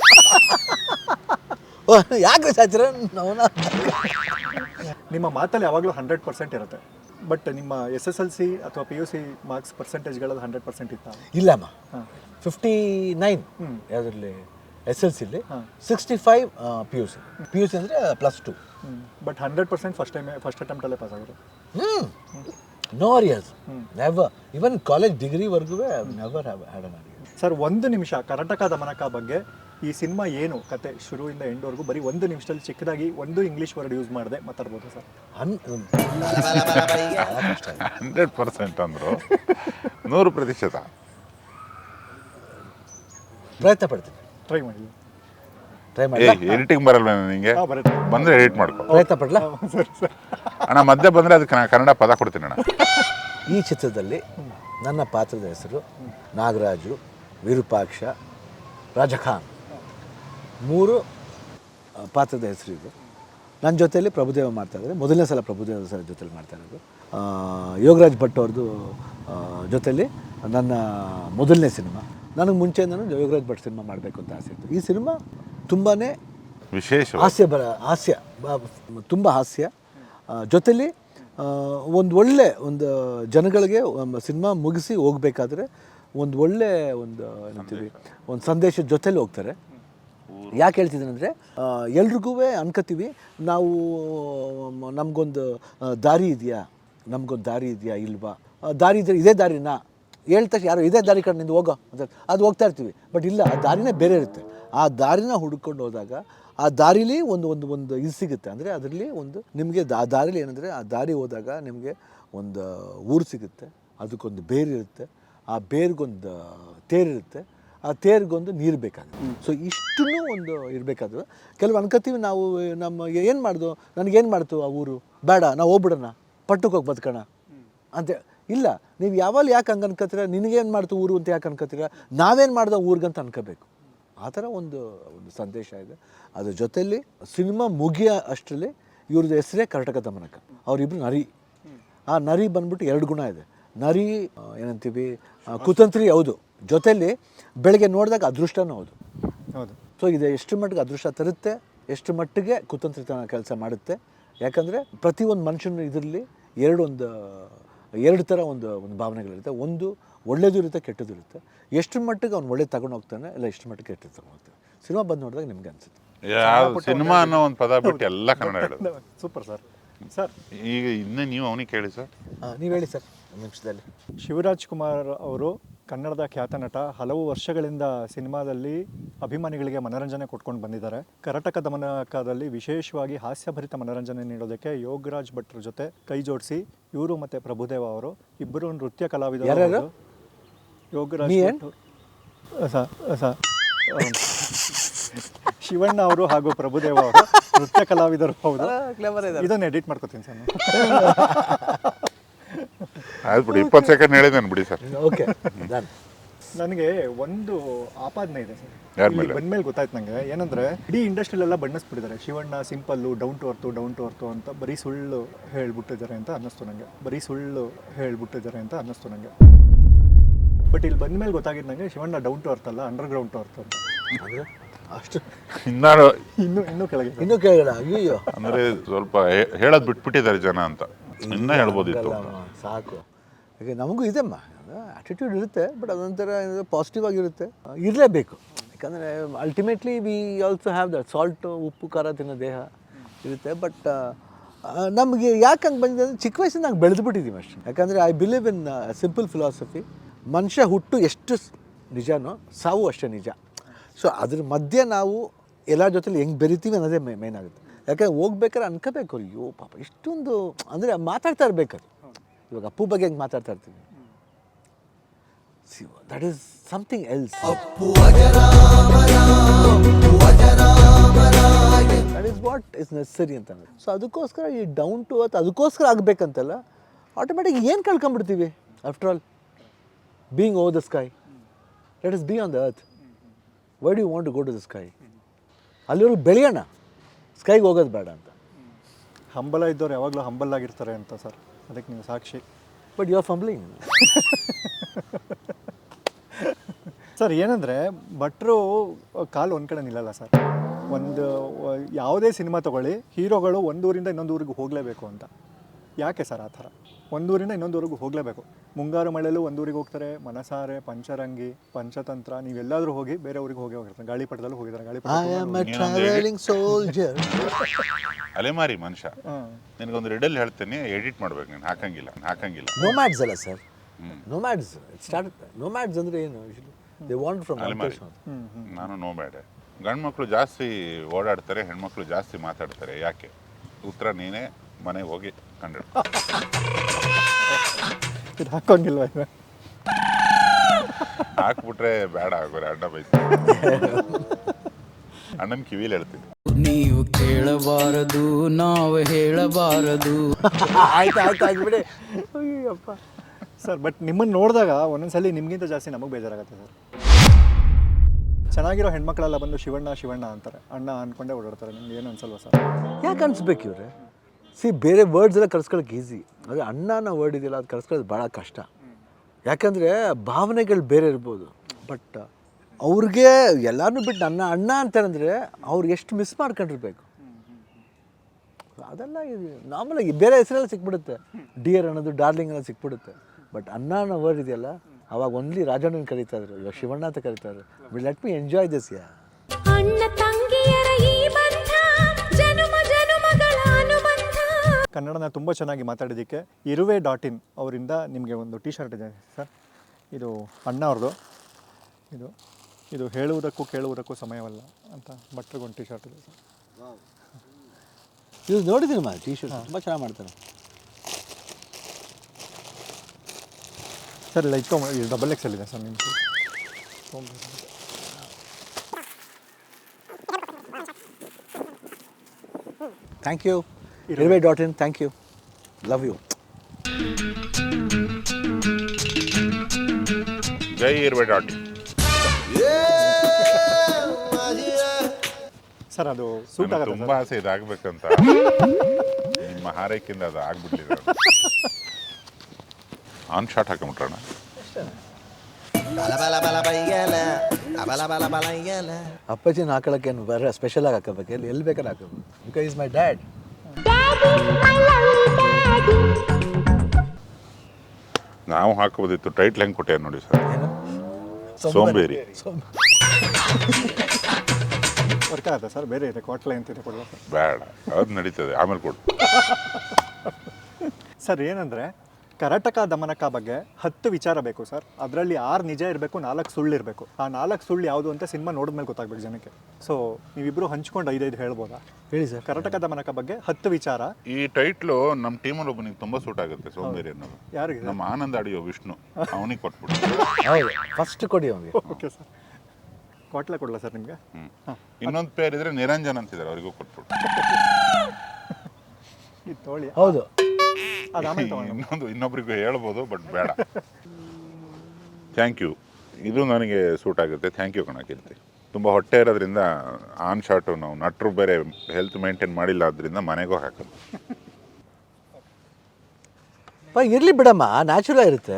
[SPEAKER 2] ಯಾಕೆ ಸಾಯ್ತೀರ ನಾವು?
[SPEAKER 1] ನಿಮ್ಮ ಮಾತಲ್ಲಿ ಯಾವಾಗಲೂ ಹಂಡ್ರೆಡ್ ಪರ್ಸೆಂಟ್ ಇರುತ್ತೆ. ಬಟ್ ನಿಮ್ಮ ಎಸ್ ಎಸ್ ಎಲ್ ಸಿ ಅಥವಾ ಪಿ ಯು ಸಿ ಮಾರ್ಕ್ಸ್ ಪರ್ಸೆಂಟೇಜ್ಗಳಲ್ಲಿ ಹಂಡ್ರೆಡ್ ಪರ್ಸೆಂಟ್ ಇತ್ತ?
[SPEAKER 2] ಇಲ್ಲಮ್ಮ,
[SPEAKER 1] ಹಾಂ,
[SPEAKER 2] ಫಿಫ್ಟಿ ನೈನ್
[SPEAKER 1] ಹ್ಮ್.
[SPEAKER 2] ಯಾವುದ್ರಲ್ಲಿ ಎಸ್ ಎಲ್ ಸಿಲಿ,
[SPEAKER 1] ಹಾಂ.
[SPEAKER 2] Sixty five P U C. P U C ಅಂದರೆ plus two.
[SPEAKER 1] But hundred percent first ಟೈಮೇ ಫಸ್ಟ್ ಅಟೆಂಪ್ಟಲ್ಲೇ ಪಾಸ್ ಆಗೋದು.
[SPEAKER 2] ಹ್ಞೂ no arrears, never. Even college ಡಿಗ್ರಿವರೆಗೂ never have had an arrear.
[SPEAKER 1] Sir, ಒಂದು ನಿಮಿಷ ಕರ್ನಾಟಕ ದಮನಕ ಬಗ್ಗೆ, ಈ ಸಿನಿಮಾ ಏನು ಕತೆ ಶುರುವಿಂದ ಎಂಡ್ವರೆಗೂ ಬರೀ ಒಂದು ನಿಮಿಷದಲ್ಲಿ ಚಿಕ್ಕದಾಗಿ ಒಂದು ಇಂಗ್ಲೀಷ್ ವರ್ಡ್ ಯೂಸ್ ಮಾಡದೆ ಮಾತಾಡ್ಬೋದು ಸರ್?
[SPEAKER 2] ಹನ್
[SPEAKER 3] ಹಂಡ್ರೆಡ್ ಪರ್ಸೆಂಟ್ ಅಂದರು, ನೂರು ಪ್ರತಿಶತ
[SPEAKER 2] ಪ್ರಯತ್ನ ಪಡ್ತೀನಿ.
[SPEAKER 1] ಟ್ರೈ ಮಾಡಿ.
[SPEAKER 2] ಟ್ರೈ
[SPEAKER 3] ಏ
[SPEAKER 2] ಮಾಡಿ.
[SPEAKER 3] ಎಡಿಟಿಂಗ್ ಬರಲ್ವ ನಿಂಗೆ?
[SPEAKER 1] ಹಾಂ, ಬರುತ್ತೆ.
[SPEAKER 3] ಬಂದರೆ ಎಡಿಟ್ ಮಾಡ್ಕೊ
[SPEAKER 2] ಪ್ರಯತ್ನ ಪಡ್ಲಾ?
[SPEAKER 1] ಸರಿ ಸರ್.
[SPEAKER 3] ಅಣ್ಣ, ಮಧ್ಯೆ ಬಂದರೆ ಅದಕ್ಕೆ ನಾನು ಕನ್ನಡ ಪದ ಕೊಡ್ತೀನಿ ಅಣ್ಣ.
[SPEAKER 2] ಈ ಚಿತ್ರದಲ್ಲಿ ನನ್ನ ಪಾತ್ರದ ಹೆಸರು ನಾಗರಾಜು, ವಿರೂಪಾಕ್ಷ, ರಾಜಖಾನ್. ಮೂರು ಆ, ಪಾತ್ರದ ಹೆಸರು ಇದು. ನನ್ನ ಜೊತೆಯಲ್ಲಿ ಪ್ರಭುದೇವ ಮಾಡ್ತಾಯಿದ್ದಾರೆ. ಮೊದಲನೇ ಸಲ ಪ್ರಭುದೇವ ಸರ್ ಜೊತೆಲಿ ಮಾಡ್ತಾ ಇರೋದು. ಆ, ಯೋಗರಾಜ್ ಭಟ್ ಅವ್ರದ್ದು ಆ, ಜೊತೆಲಿ ನನ್ನ ಮೊದಲನೇ ಸಿನಿಮಾ. ನನಗೆ ಮುಂಚೆಯಿಂದನೂ ಯೋಗರಾಜ್ ಭಟ್ ಸಿನಿಮಾ ಮಾಡಬೇಕು ಅಂತ ಆಸೆ ಇತ್ತು. ಈ ಸಿನಿಮಾ ತುಂಬಾ
[SPEAKER 3] ವಿಶೇಷ
[SPEAKER 2] ಹಾಸ್ಯ ಬರ ಹಾಸ್ಯ ತುಂಬ ಹಾಸ್ಯ ಜೊತೆಲಿ ಒಂದು ಒಳ್ಳೆ ಒಂದು ಜನಗಳಿಗೆ ಸಿನಿಮಾ ಮುಗಿಸಿ ಹೋಗ್ಬೇಕಾದ್ರೆ ಒಂದು ಒಳ್ಳೆ ಒಂದು ಏನಂತೀವಿ ಒಂದು ಸಂದೇಶದ ಜೊತೆಲಿ ಹೋಗ್ತಾರೆ. ಯಾಕೆ ಹೇಳ್ತಿದ್ದೀನಿ ಅಂದರೆ, ಎಲ್ರಿಗೂ ಅನ್ಕೋತೀವಿ ನಾವು, ನಮಗೊಂದು ದಾರಿ ಇದೆಯಾ, ನಮಗೊಂದು ದಾರಿ ಇದೆಯಾ ಇಲ್ವಾ, ದಾರಿ ಇದ್ರೆ ಇದೇ ದಾರಿನಾ ಹೇಳ್ದ ತಕ್ಷಣ ಯಾರು ಇದೇ ದಾರಿ ಕಡೆ ನಿಂದು ಹೋಗೋ ಅಂತ ಅದು ಹೋಗ್ತಾ ಇರ್ತೀವಿ. ಬಟ್ ಇಲ್ಲ, ಆ ದಾರಿನೇ ಬೇರೆ ಇರುತ್ತೆ. ಆ ದಾರಿನ ಹುಡ್ಕೊಂಡು ಹೋದಾಗ ಆ ದಾರಿಲಿ ಒಂದು ಒಂದು ಒಂದು ಇದು ಸಿಗುತ್ತೆ. ಅಂದರೆ ಅದರಲ್ಲಿ ಒಂದು ನಿಮಗೆ ಆ ದಾರಿಲಿ ಏನಂದರೆ, ಆ ದಾರಿ ಹೋದಾಗ ನಿಮಗೆ ಒಂದು ಊರು ಸಿಗುತ್ತೆ, ಅದಕ್ಕೊಂದು ಬೇರು ಇರುತ್ತೆ, ಆ ಬೇರಿಗೊಂದು ತೇರಿರುತ್ತೆ, ಆ ತೇರಿಗೊಂದು ನೀರು ಬೇಕಾಗುತ್ತೆ. ಸೊ ಇಷ್ಟೂ ಒಂದು ಇರಬೇಕಾದ್ರೆ ಕೆಲವು ಅನ್ಕೋತೀವಿ ನಾವು, ನಮ್ಮ ಏನು ಮಾಡ್ದು ನನಗೇನು ಮಾಡ್ತು ಆ ಊರು, ಬೇಡ ನಾವು ಹೋಗ್ಬಿಡೋಣ, ಪಟ್ಟಕ್ಕೆ ಹೋಗಿ ಬದುಕೋಣ ಅಂತ. ಇಲ್ಲ, ನೀವು ಯಾವಾಗ ಯಾಕೆ ಹಂಗೆ ಅನ್ಕೋತೀರ, ನಿನಗೇನು ಮಾಡ್ತು ಊರು ಅಂತ ಯಾಕೆ ಅನ್ಕೋತೀರ, ನಾವೇನು ಮಾಡ್ದೆ ಊರಿಗಂತ ಅನ್ಕೋಬೇಕು. ಆ ಥರ ಒಂದು ಒಂದು ಸಂದೇಶ ಇದೆ. ಅದ್ರ ಜೊತೆಯಲ್ಲಿ ಸಿನಿಮಾ ಮುಗಿಯ ಅಷ್ಟರಲ್ಲಿ ಇವ್ರದ್ದು ಹೆಸರೇ ಕರ್ನಾಟಕ ದಮನಕ. ಅವರಿಬ್ಬರು ನರಿ. ಆ ನರಿ ಬಂದ್ಬಿಟ್ಟು ಎರಡು ಗುಣ ಇದೆ. ನರಿ ಏನಂತೀವಿ ಕುತಂತ್ರಿ ಹೌದು, ಜೊತೆಲಿ ಬೆಳಗ್ಗೆ ನೋಡಿದಾಗ ಅದೃಷ್ಟನೂ ಹೌದು.
[SPEAKER 1] ಹೌದು.
[SPEAKER 2] ಸೊ ಇದು ಎಷ್ಟು ಮಟ್ಟಿಗೆ ಅದೃಷ್ಟ ತರುತ್ತೆ, ಎಷ್ಟು ಮಟ್ಟಿಗೆ ಕುತಂತ್ರಿತನ ಕೆಲಸ ಮಾಡುತ್ತೆ. ಯಾಕಂದರೆ ಪ್ರತಿಯೊಂದು ಮನುಷ್ಯನ ಇದರಲ್ಲಿ ಎರಡು ಒಂದು ಎರಡು ಥರ ಒಂದು ಒಂದು ಭಾವನೆಗಳಿರುತ್ತೆ. ಒಂದು ಒಳ್ಳೇದು ಇರುತ್ತೆ, ಕೆಟ್ಟದ್ದು ಇರುತ್ತೆ. ಎಷ್ಟು ಮಟ್ಟಿಗೆ ಅವ್ನು ಒಳ್ಳೇದು ತಗೊಂಡು ಹೋಗ್ತಾನೆ, ಇಲ್ಲ ಎಷ್ಟು ಮಟ್ಟಿಗೆ ಕೆಟ್ಟದ್ದು ತಗೊಂಡು ಹೋಗ್ತಾನೆ. ಸಿನಿಮಾ ಬಂದು ನೋಡಿದಾಗ ನಿಮ್ಗೆ ಅನ್ಸುತ್ತೆ.
[SPEAKER 3] ಯಾವ ಸಿನಿಮಾ ಅನ್ನೋ ಒಂದು ಪದ ಬಿಟ್ಟು ಎಲ್ಲ ಕನ್ನಡ ಹೇಳೋದು.
[SPEAKER 1] Super sir. ಸರ್
[SPEAKER 3] ಈಗ ಇನ್ನೂ ನೀವು ಅವನಿಗೆ ಕೇಳಿ ಸರ್.
[SPEAKER 2] ನೀವು ಹೇಳಿ ಸರ್ ಒಂದು ನಿಮಿಷದಲ್ಲಿ.
[SPEAKER 1] ಶಿವರಾಜ್ ಕುಮಾರ್ ಅವರು ಕನ್ನಡದ ಖ್ಯಾತ ನಟ. ಹಲವು ವರ್ಷಗಳಿಂದ ಸಿನಿಮಾದಲ್ಲಿ ಅಭಿಮಾನಿಗಳಿಗೆ ಮನೋರಂಜನೆ ಕೊಟ್ಕೊಂಡು ಬಂದಿದ್ದಾರೆ. ಕರ್ನಾಟಕ ದಮನಕದಲ್ಲಿ ವಿಶೇಷವಾಗಿ ಹಾಸ್ಯಭರಿತ ಮನೋರಂಜನೆ ನೀಡೋದಕ್ಕೆ ಯೋಗರಾಜ್ ಭಟ್ರ ಜೊತೆ ಕೈ ಜೋಡಿಸಿ ಇವರು ಮತ್ತು ಪ್ರಭುದೇವ ಅವರು ಇಬ್ಬರು ನೃತ್ಯ ಕಲಾವಿದರು.
[SPEAKER 2] ಯಾರ್ಯಾರು?
[SPEAKER 1] ಯೋಗರಾಜ್
[SPEAKER 2] ನೀ ಏನ್?
[SPEAKER 1] ಭಟ್ರು ಸ ಸ ಶಿವಣ್ಣ ಅವರು ಹಾಗೂ ಪ್ರಭುದೇವ ಅವರು ನೃತ್ಯ ಕಲಾವಿದರು ಹೌದು.
[SPEAKER 2] ಕ್ಲೇವರ್ ಇದೆ.
[SPEAKER 1] ಇದನ್ನು ಎಡಿಟ್ ಮಾಡ್ಕೋತೀನಿ ಸರ್.
[SPEAKER 3] ಆಯ್ತು ಬಿಡಿ, ಇಪ್ಪತ್ತು ಸೆಕೆಂಡ್ ಹೇಳಿದ್ದೇನೆ ಬಿಡಿ ಸರ್.
[SPEAKER 2] Okay done.
[SPEAKER 1] ನನಗೆ ಒಂದು ಆಪಾದನೆ ಇದೆ ಸರ್.
[SPEAKER 3] ಯಾರ
[SPEAKER 1] ಇಲ್ಲಿ
[SPEAKER 3] ಮೇಲೆ?
[SPEAKER 1] ಬಂದ್ಮೇಲೆ ಗೊತ್ತಾಯ್ತು ನನಗೆ ಏನಂದ್ರೆ ಇಡೀ ಇಂಡಸ್ಟ್ರಿಲೆಲ್ಲ ಬಣ್ಣಿಸ್ಬಿಟ್ಟಿದ್ದಾರೆ. Shivanna simple, down to earth down to earth ಅಂತ ಬರೀ ಸುಳ್ಳು ಹೇಳ್ಬಿಟ್ಟಿದ್ದಾರೆ ಅಂತ ಅನ್ನಿಸ್ತು ನನಗೆ. ಬರೀ ಸುಳ್ಳು ಹೇಳ್ಬಿಟ್ಟಿದ್ದಾರೆ ಅಂತ ಅನ್ನಿಸ್ತು ನನಗೆ. ಬಟ್ ಇಲ್ಲಿ ಬಂದ್ಮೇಲೆ ಗೊತ್ತಾಗಿದ್ದು ನನಗೆ ಶಿವಣ್ಣ ಡೌನ್ ಟು ಅರ್ತ್ ಅಲ್ಲ, ಅಂಡರ್ ಗ್ರೌಂಡ್ ಟು ಅರ್ತ್ ಅಂತ.
[SPEAKER 2] ಅಂದರೆ ಅಷ್ಟು
[SPEAKER 3] ಇನ್ನಾರು
[SPEAKER 1] ಇನ್ನೂ ಇನ್ನೂ ಕೆಳಗೆ
[SPEAKER 2] ಇನ್ನೂ ಕೇಳೋಣ. ಅಯ್ಯೋ
[SPEAKER 3] ಅಂದರೆ ಸ್ವಲ್ಪ ಹೇ- ಹೇಳೋದು ಬಿಟ್ಬಿಟ್ಟಿದ್ದಾರೆ ಜನ ಅಂತ ಇನ್ನೂ ಹೇಳ್ಬೋದಿತ್ತು.
[SPEAKER 2] ಅಲ್ಲಮ್ಮ, ಸಾಕು. ಯಾಕೆ ನಮಗೂ ಇದೆಮ್ಮ ಆ್ಯಟಿಟ್ಯೂಡ್ ಇರುತ್ತೆ, ಬಟ್ ಅದೊಂಥರ ಪಾಸಿಟಿವ್ ಆಗಿರುತ್ತೆ. ಇರಲೇಬೇಕು. ಯಾಕಂದರೆ ultimately we also have that salt, ಉಪ್ಪು ಖಾರ ತಿನ್ನೋ ದೇಹ ಇರುತ್ತೆ. ಬಟ್ ನಮಗೆ ಯಾಕೆ ಹಂಗೆ ಬಂದಿದೆ ಅಂದರೆ ಚಿಕ್ಕ ವಯಸ್ಸಿಂದ ಹಂಗೆ ಬೆಳೆದ್ಬಿಟ್ಟಿದ್ದೀವಿ ಅಷ್ಟೇ. ಯಾಕಂದರೆ I believe in simple philosophy. ಮನುಷ್ಯ ಹುಟ್ಟು ಎಷ್ಟು ಸ್- ನಿಜನೋ ಸಾವು ಅಷ್ಟೇ ನಿಜ. ಸೊ ಅದ್ರ ಮಧ್ಯೆ ನಾವು ಎಲ್ಲರ ಜೊತೆಲಿ ಹೆಂಗೆ ಬೆರಿತೀವಿ ಅನ್ನೋದೇ ಮೇ ಮೇನ್ ಆಗುತ್ತೆ. ಯಾಕಂದ್ರೆ ಹೋಗ್ಬೇಕಾದ್ರೆ ಅನ್ಕೋಬೇಕು, ಅಯ್ಯೋ ಪಾಪ ಇಷ್ಟೊಂದು ಅಂದರೆ ಮಾತಾಡ್ತಾ ಇರ್ಬೇಕದು. ಇವಾಗ ಅಪ್ಪು ಬಗ್ಗೆ ಹೆಂಗೆ ಮಾತಾಡ್ತಾ ಇರ್ತೀವಿ, see that is something else. That is what is necessary ಅಂತ. ಸೊ ಅದಕ್ಕೋಸ್ಕರ ಈ ಡೌನ್ ಟು ಅರ್ತ್ ಅದಕ್ಕೋಸ್ಕರ ಆಗಬೇಕಂತಲ್ಲ, ಆಟೋಮೆಟಿಕ್ ಏನು ಕಳ್ಕೊಂಡ್ಬಿಡ್ತೀವಿ. After all being over the sky, let us be on the earth. Why do you want to go to the sky? ಅಲ್ಲಿವರೆಗೂ ಬೆಳೆಯೋಣ, ಸ್ಕೈಗೆ ಹೋಗೋದು ಬೇಡ ಅಂತ.
[SPEAKER 1] ಹಂಬಲ ಇದ್ದವ್ರು ಯಾವಾಗಲೂ ಹಂಬಲ್ ಆಗಿರ್ತಾರೆ ಅಂತ ಸರ್, ಅದಕ್ಕೆ ನೀವು ಸಾಕ್ಷಿ.
[SPEAKER 2] But you are fumbling.
[SPEAKER 1] Sir ಏನಂದರೆ ಭಟ್ರು ಕಾಲು ಒಂದು ಕಡೆ ನಿಲ್ಲಲ್ಲ ಸರ್. ಒಂದು ಯಾವುದೇ ಸಿನಿಮಾ ತೊಗೊಳ್ಳಿ, ಹೀರೋಗಳು ಒಂದೂರಿಂದ ಇನ್ನೊಂದು ಊರಿಗೆ ಹೋಗಲೇಬೇಕು ಅಂತ. ಯಾಕೆ ಸರ್ ಆ ಥರ? ಒಂದೂರಿಂದ ಇನ್ನೊಂದೂರಿಗೂ ಹೋಗಲೇಬೇಕು. ಮುಂಗಾರು ಮಳೆಯಲ್ಲೂ ಒಂದೂರಿಗೆ ಹೋಗ್ತಾರೆ. ಮನಸಾರೆ, ಪಂಚರಂಗಿ, ಪಂಚತಂತ್ರ, ನೀವೆಲ್ಲಾದರೂ ಹೋಗಿ ಬೇರೆ ಊರಿಗೆ ಹೋಗಿ ಹೋಗಿರ್ತಾರೆ. ಗಾಳಿಪಟದಲ್ಲೂ ಹೋಗಿದ್ದಾರೆ.
[SPEAKER 2] ಐ
[SPEAKER 1] ಗಾಳಿಪಟ
[SPEAKER 2] ಆಮ್ ಎ ಟ್ರಾವೆಲಿಂಗ್ ಸೋಲ್ಜರ್.
[SPEAKER 3] ಅಲೆಮಾರಿ ಮನುಷ್ಯ.
[SPEAKER 1] ಹಾಂ
[SPEAKER 3] ನಿನಗೊಂದು ರಿಡಲ್ ಹೇಳ್ತೇನೆ, ಎಡಿಟ್ ಮಾಡ್ಬೇಕು. ನೀನು ಹಾಕಂಗಿಲ್ಲ ಹಾಕಂಗಿಲ್ಲ
[SPEAKER 2] ನೋಮ್ಯಾಡ್ಸ್ ಅಲ್ಲ ಸರ್, ನೋಮ್ಯಾಡ್ಸ್. ಸ್ಟಾರ್ಟ್ ನೋಮ್ಯಾಡ್ಸ್ ಅಂದರೆ ಏನು? ದೇ ವಾಂಟ್ ಫ್ರಮ್
[SPEAKER 3] ಅಲೆಮಾರಿ. ನಾನು ನೋ ಬೇಡ. ಗಂಡು ಮಕ್ಕಳು ಜಾಸ್ತಿ ಓಡಾಡ್ತಾರೆ, ಹೆಣ್ಮಕ್ಳು ಜಾಸ್ತಿ ಮಾತಾಡ್ತಾರೆ. ಯಾಕೆ? ಉತ್ತರ ನೀನೇ ಮನೆಗೆ ಹೋಗಿ ಕಂಡು.
[SPEAKER 1] ಇದು ಹಾಕೋಂಗಿಲ್ವ? ಈಗ
[SPEAKER 3] ಹಾಕ್ಬಿಟ್ರೆ ಬೇಡ ಆಗೋರೆ, ಅಡ್ಡ ಬೈತ. ಅಣ್ಣನ ಕಿವಿಲಿ ಹೇಳ್ತೀನಿ.
[SPEAKER 5] ನೀವು ಕೇಳಬಾರದು, ನಾವು ಹೇಳಬಾರದು.
[SPEAKER 2] ಆಯ್ತು ಆಯ್ತು ಆಯ್ತು ಬಿಡಿ. ಅಯ್ಯಪ್ಪ
[SPEAKER 1] ಸರ್ ಬಟ್ ನಿಮ್ಮನ್ನು ನೋಡಿದಾಗ ಒಂದೊಂದ್ಸಲಿ ನಿಮಗಿಂತ ಜಾಸ್ತಿ ನಮಗೆ ಬೇಜಾರಾಗುತ್ತೆ ಸರ್. ಚೆನ್ನಾಗಿರೋ ಹೆಣ್ಮಕ್ಳೆಲ್ಲ ಬಂದು ಶಿವಣ್ಣ ಶಿವಣ್ಣ ಅಂತಾರೆ, ಅಣ್ಣ ಅಂದ್ಕೊಂಡೇ ಓಡಾಡ್ತಾರೆ. ನಿಮ್ಗೆ ಏನು ಅನ್ಸಲ್ವಾ ಸರ್?
[SPEAKER 2] ಯಾಕೆ ಅನ್ಸ್ಬೇಕು ಇವ್ರೆ? ಸಿ ಬೇರೆ ವರ್ಡ್ಸ್ ಎಲ್ಲ ಕಳ್ಸ್ಕೊಳಕ್ಕೆ ಈಸಿ, ಆದರೆ ಅಣ್ಣ ಅನ್ನೋ ವರ್ಡ್ ಇದೆಯಲ್ಲ ಅದು ಕಳ್ಸ್ಕೊಳ್ಳೋದು ಭಾಳ ಕಷ್ಟ. ಯಾಕಂದರೆ ಭಾವನೆಗಳು ಬೇರೆ ಇರ್ಬೋದು, ಬಟ್ ಅವ್ರಿಗೆ ಎಲ್ಲರೂ ಬಿಟ್ಟು ಅಣ್ಣ ಅಣ್ಣ ಅಂತಾರಂದರೆ ಅವ್ರು ಎಷ್ಟು ಮಿಸ್ ಮಾಡ್ಕೊಂಡಿರ್ಬೇಕು. ಅದೆಲ್ಲ ನಾರ್ಮಲಾಗಿ ಬೇರೆ ಹೆಸರೆಲ್ಲ ಸಿಕ್ಬಿಡುತ್ತೆ, ಡಿಯರ್ ಅನ್ನೋದು ಡಾರ್ಲಿಂಗ್ ಅನ್ನೋದು ಸಿಕ್ಬಿಡುತ್ತೆ. ಬಟ್ ಅಣ್ಣ ಅನ್ನೋ ವರ್ಡ್ ಇದೆಯಲ್ಲ, ಅವಾಗ ಒನ್ಲಿ ರಾಜಣ್ಣನ ಕರೀತಾ ಇದ್ರು, ಇವಾಗ ಶಿವಣ್ಣ ಅಂತ ಕರೀತಾ ಇದ್ರು. But let me enjoy this. ಯಾ
[SPEAKER 6] ಅಣ್ಣ ತಂಗಿಯರ ಈ ಬಂಧ ಜನುಮ ಜನುಮಗಳ ಅನುಬಂಧ.
[SPEAKER 1] ಕನ್ನಡನ ತುಂಬ ಚೆನ್ನಾಗಿ ಮಾತಾಡಿದ್ದಕ್ಕೆ ಇರುವೆ ಡಾಟ್ ಇನ್ ಅವರಿಂದ ನಿಮಗೆ ಒಂದು ಟಿ ಶರ್ಟ್ ಇದೆ ಸರ್. ಇದು ಅಣ್ಣ ಅವ್ರದ್ದು. ಇದು ಇದು ಹೇಳುವುದಕ್ಕೂ ಕೇಳುವುದಕ್ಕೂ ಸಮಯವಲ್ಲ ಅಂತ ಭಟ್ರಿಗೊಂದು ಟಿ ಶರ್ಟ್ ಇದೆ ಸರ್.
[SPEAKER 2] ಇದು ನೋಡಿದ್ದೀನಿ ಮಾ ಟಿ ಶರ್ಟ್ ತುಂಬ ಚೆನ್ನಾಗಿ ಮಾಡ್ತಾರೆ
[SPEAKER 1] ಸರ್. ಲೈಕ್ ಇದು ಡಬಲ್ ಎಕ್ಸ್ ಎಲ್ ಇದೆ ಸರ್ ನಿಮಗೆ.
[SPEAKER 2] Thank you Iruve dot in. Thank you, love you.
[SPEAKER 3] ಜೈ ಇರ್ಬೇಡ ಡಾಟ್.
[SPEAKER 1] ಸರ್ ಅದು ಸೂಟ್ ಆಗುತ್ತೆ
[SPEAKER 3] ತುಂಬಾ ಆಸೆ ಇದಾಗಬೇಕಂತ, ನಿಮ್ಮ ಹಾರೈಕೆಯಿಂದ ಅದು ಆಗ್ಬಿಟ್ಟಿದೆ. On shot ಹಾಕೊಂಬಿಟ್ರಣ.
[SPEAKER 2] ಅಪ್ಪಾಜಿನ ಹಾಕೊಳ್ಳೋಕೆ ಏನು ಬರ ಸ್ಪೆಷಲಾಗಿ ಹಾಕೋಬೇಕು, ಎಲ್ಲಿ ಎಲ್ಲಿ ಬೇಕಾದ್ರೆ ಹಾಕೋಬೇಕು. Because is my dad.
[SPEAKER 3] ನಾವು ಹಾಕೋಬೋದಿತ್ತು. ಟೈಟ್ಲ್ ಹೆಂಗೆ ಕೊಟ್ಟೆ ನೋಡಿ ಸರ್. ಸೋಂಬೇರಿ.
[SPEAKER 1] ವರ್ಕ್ ಆಗುತ್ತೆ ಸರ್, ಬೇರೆ ಇದೆ ಕ್ವಾಟ್ಲೆ ಅಂತಿದೆ ಕೊಡಲ್ಲ ಸರ್.
[SPEAKER 3] ಬೇಡ, ಅದು ನಡೀತದೆ, ಆಮೇಲೆ ಕೊಡು.
[SPEAKER 1] ಸರ್ ಏನಂದರೆ ಕರಟಕ ದಮನಕ ಬಗ್ಗೆ ಹತ್ತು ವಿಚಾರ ಬೇಕು ಸರ್. ಅದರಲ್ಲಿ ಆರು ನಿಜ ಇರಬೇಕು, ನಾಲ್ಕು ಸುಳ್ಳು ಇರಬೇಕು. ಆ ನಾಲ್ಕು ಸುಳ್ಳು ಯಾವುದು ಅಂತ ಸಿನಿಮಾ ನೋಡಿದ್ಮೇಲೆ ಗೊತ್ತಾಗಬೇಕು ಜನಕ್ಕೆ. ಸೊ ನೀವಿಬ್ಬರು ಹಂಚ್ಕೊಂಡು ಐದೈದು ಹೇಳ್ಬೋದಾ?
[SPEAKER 2] ಹೇಳಿ ಸರ್.
[SPEAKER 1] ಕರಟಕ ದಮನಕ ಬಗ್ಗೆ ಹತ್ತು ವಿಚಾರ.
[SPEAKER 3] ಈ ಟೈಟ್ಲು ನಮ್ಮ ಟೀಮಲ್ಲಿ ಒಬ್ಬನಿಗೆ ತುಂಬ ಸೂಟ್ ಆಗುತ್ತೆ, ಸೌಂದರ್ಯ ಅನ್ನೋದು.
[SPEAKER 1] ಯಾರಿಗೆ?
[SPEAKER 3] ನಮ್ಮ ಆನಂದ ಅಡಿಯೋ ವಿಷ್ಣು, ಅವನಿಗೆ ಕೊಟ್ಬಿಟ್ಟು.
[SPEAKER 2] ಹೌದು, ಫಸ್ಟ್ ಕೊಡಿ ಅವನಿಗೆ.
[SPEAKER 1] ಓಕೆ ಸರ್, ಕ್ವಾಟ್ಲೆ ಕೊಡಲ್ಲ ಸರ್ ನಿಮಗೆ?
[SPEAKER 3] ಹ್ಞೂ. ಇನ್ನೊಂದು ಪೇರ್ ಇದ್ರೆ ನಿರಂಜನ್ ಅಂತಿದ್ದಾರೆ, ಅವರಿಗೂ ಕೊಟ್ಬಿಟ್ಟು.
[SPEAKER 1] ಇದು ತೊಗೊಳ್ಳಿ.
[SPEAKER 2] ಹೌದು,
[SPEAKER 1] ಅದು ಆಮೇಲೆ ತೊಗೊಂಡು.
[SPEAKER 3] ಇನ್ನೊಂದು ಇನ್ನೊಬ್ರಿಗೂ ಹೇಳ್ಬೋದು, ಬಟ್ ಬೇಡ. ಥ್ಯಾಂಕ್ ಯು, ಇದು ನನಗೆ ಸೂಟ್ ಆಗುತ್ತೆ. ಥ್ಯಾಂಕ್ ಯು ಕಣಕೀರ್ತಿ. ತುಂಬ ಹೊಟ್ಟೆ ಇರೋದ್ರಿಂದ ಆನ್ ಶಾಟು ನಾವು ನಟರು ಬೇರೆ ಹೆಲ್ತ್ ಮೇಂಟೈನ್ ಮಾಡಿಲ್ಲ, ಆದ್ದರಿಂದ ಮನೆಗೂ ಹಾಕೋದು.
[SPEAKER 2] ಇರಲಿ ಬಿಡಮ್ಮ, ನ್ಯಾಚುರಲ್ ಇರುತ್ತೆ.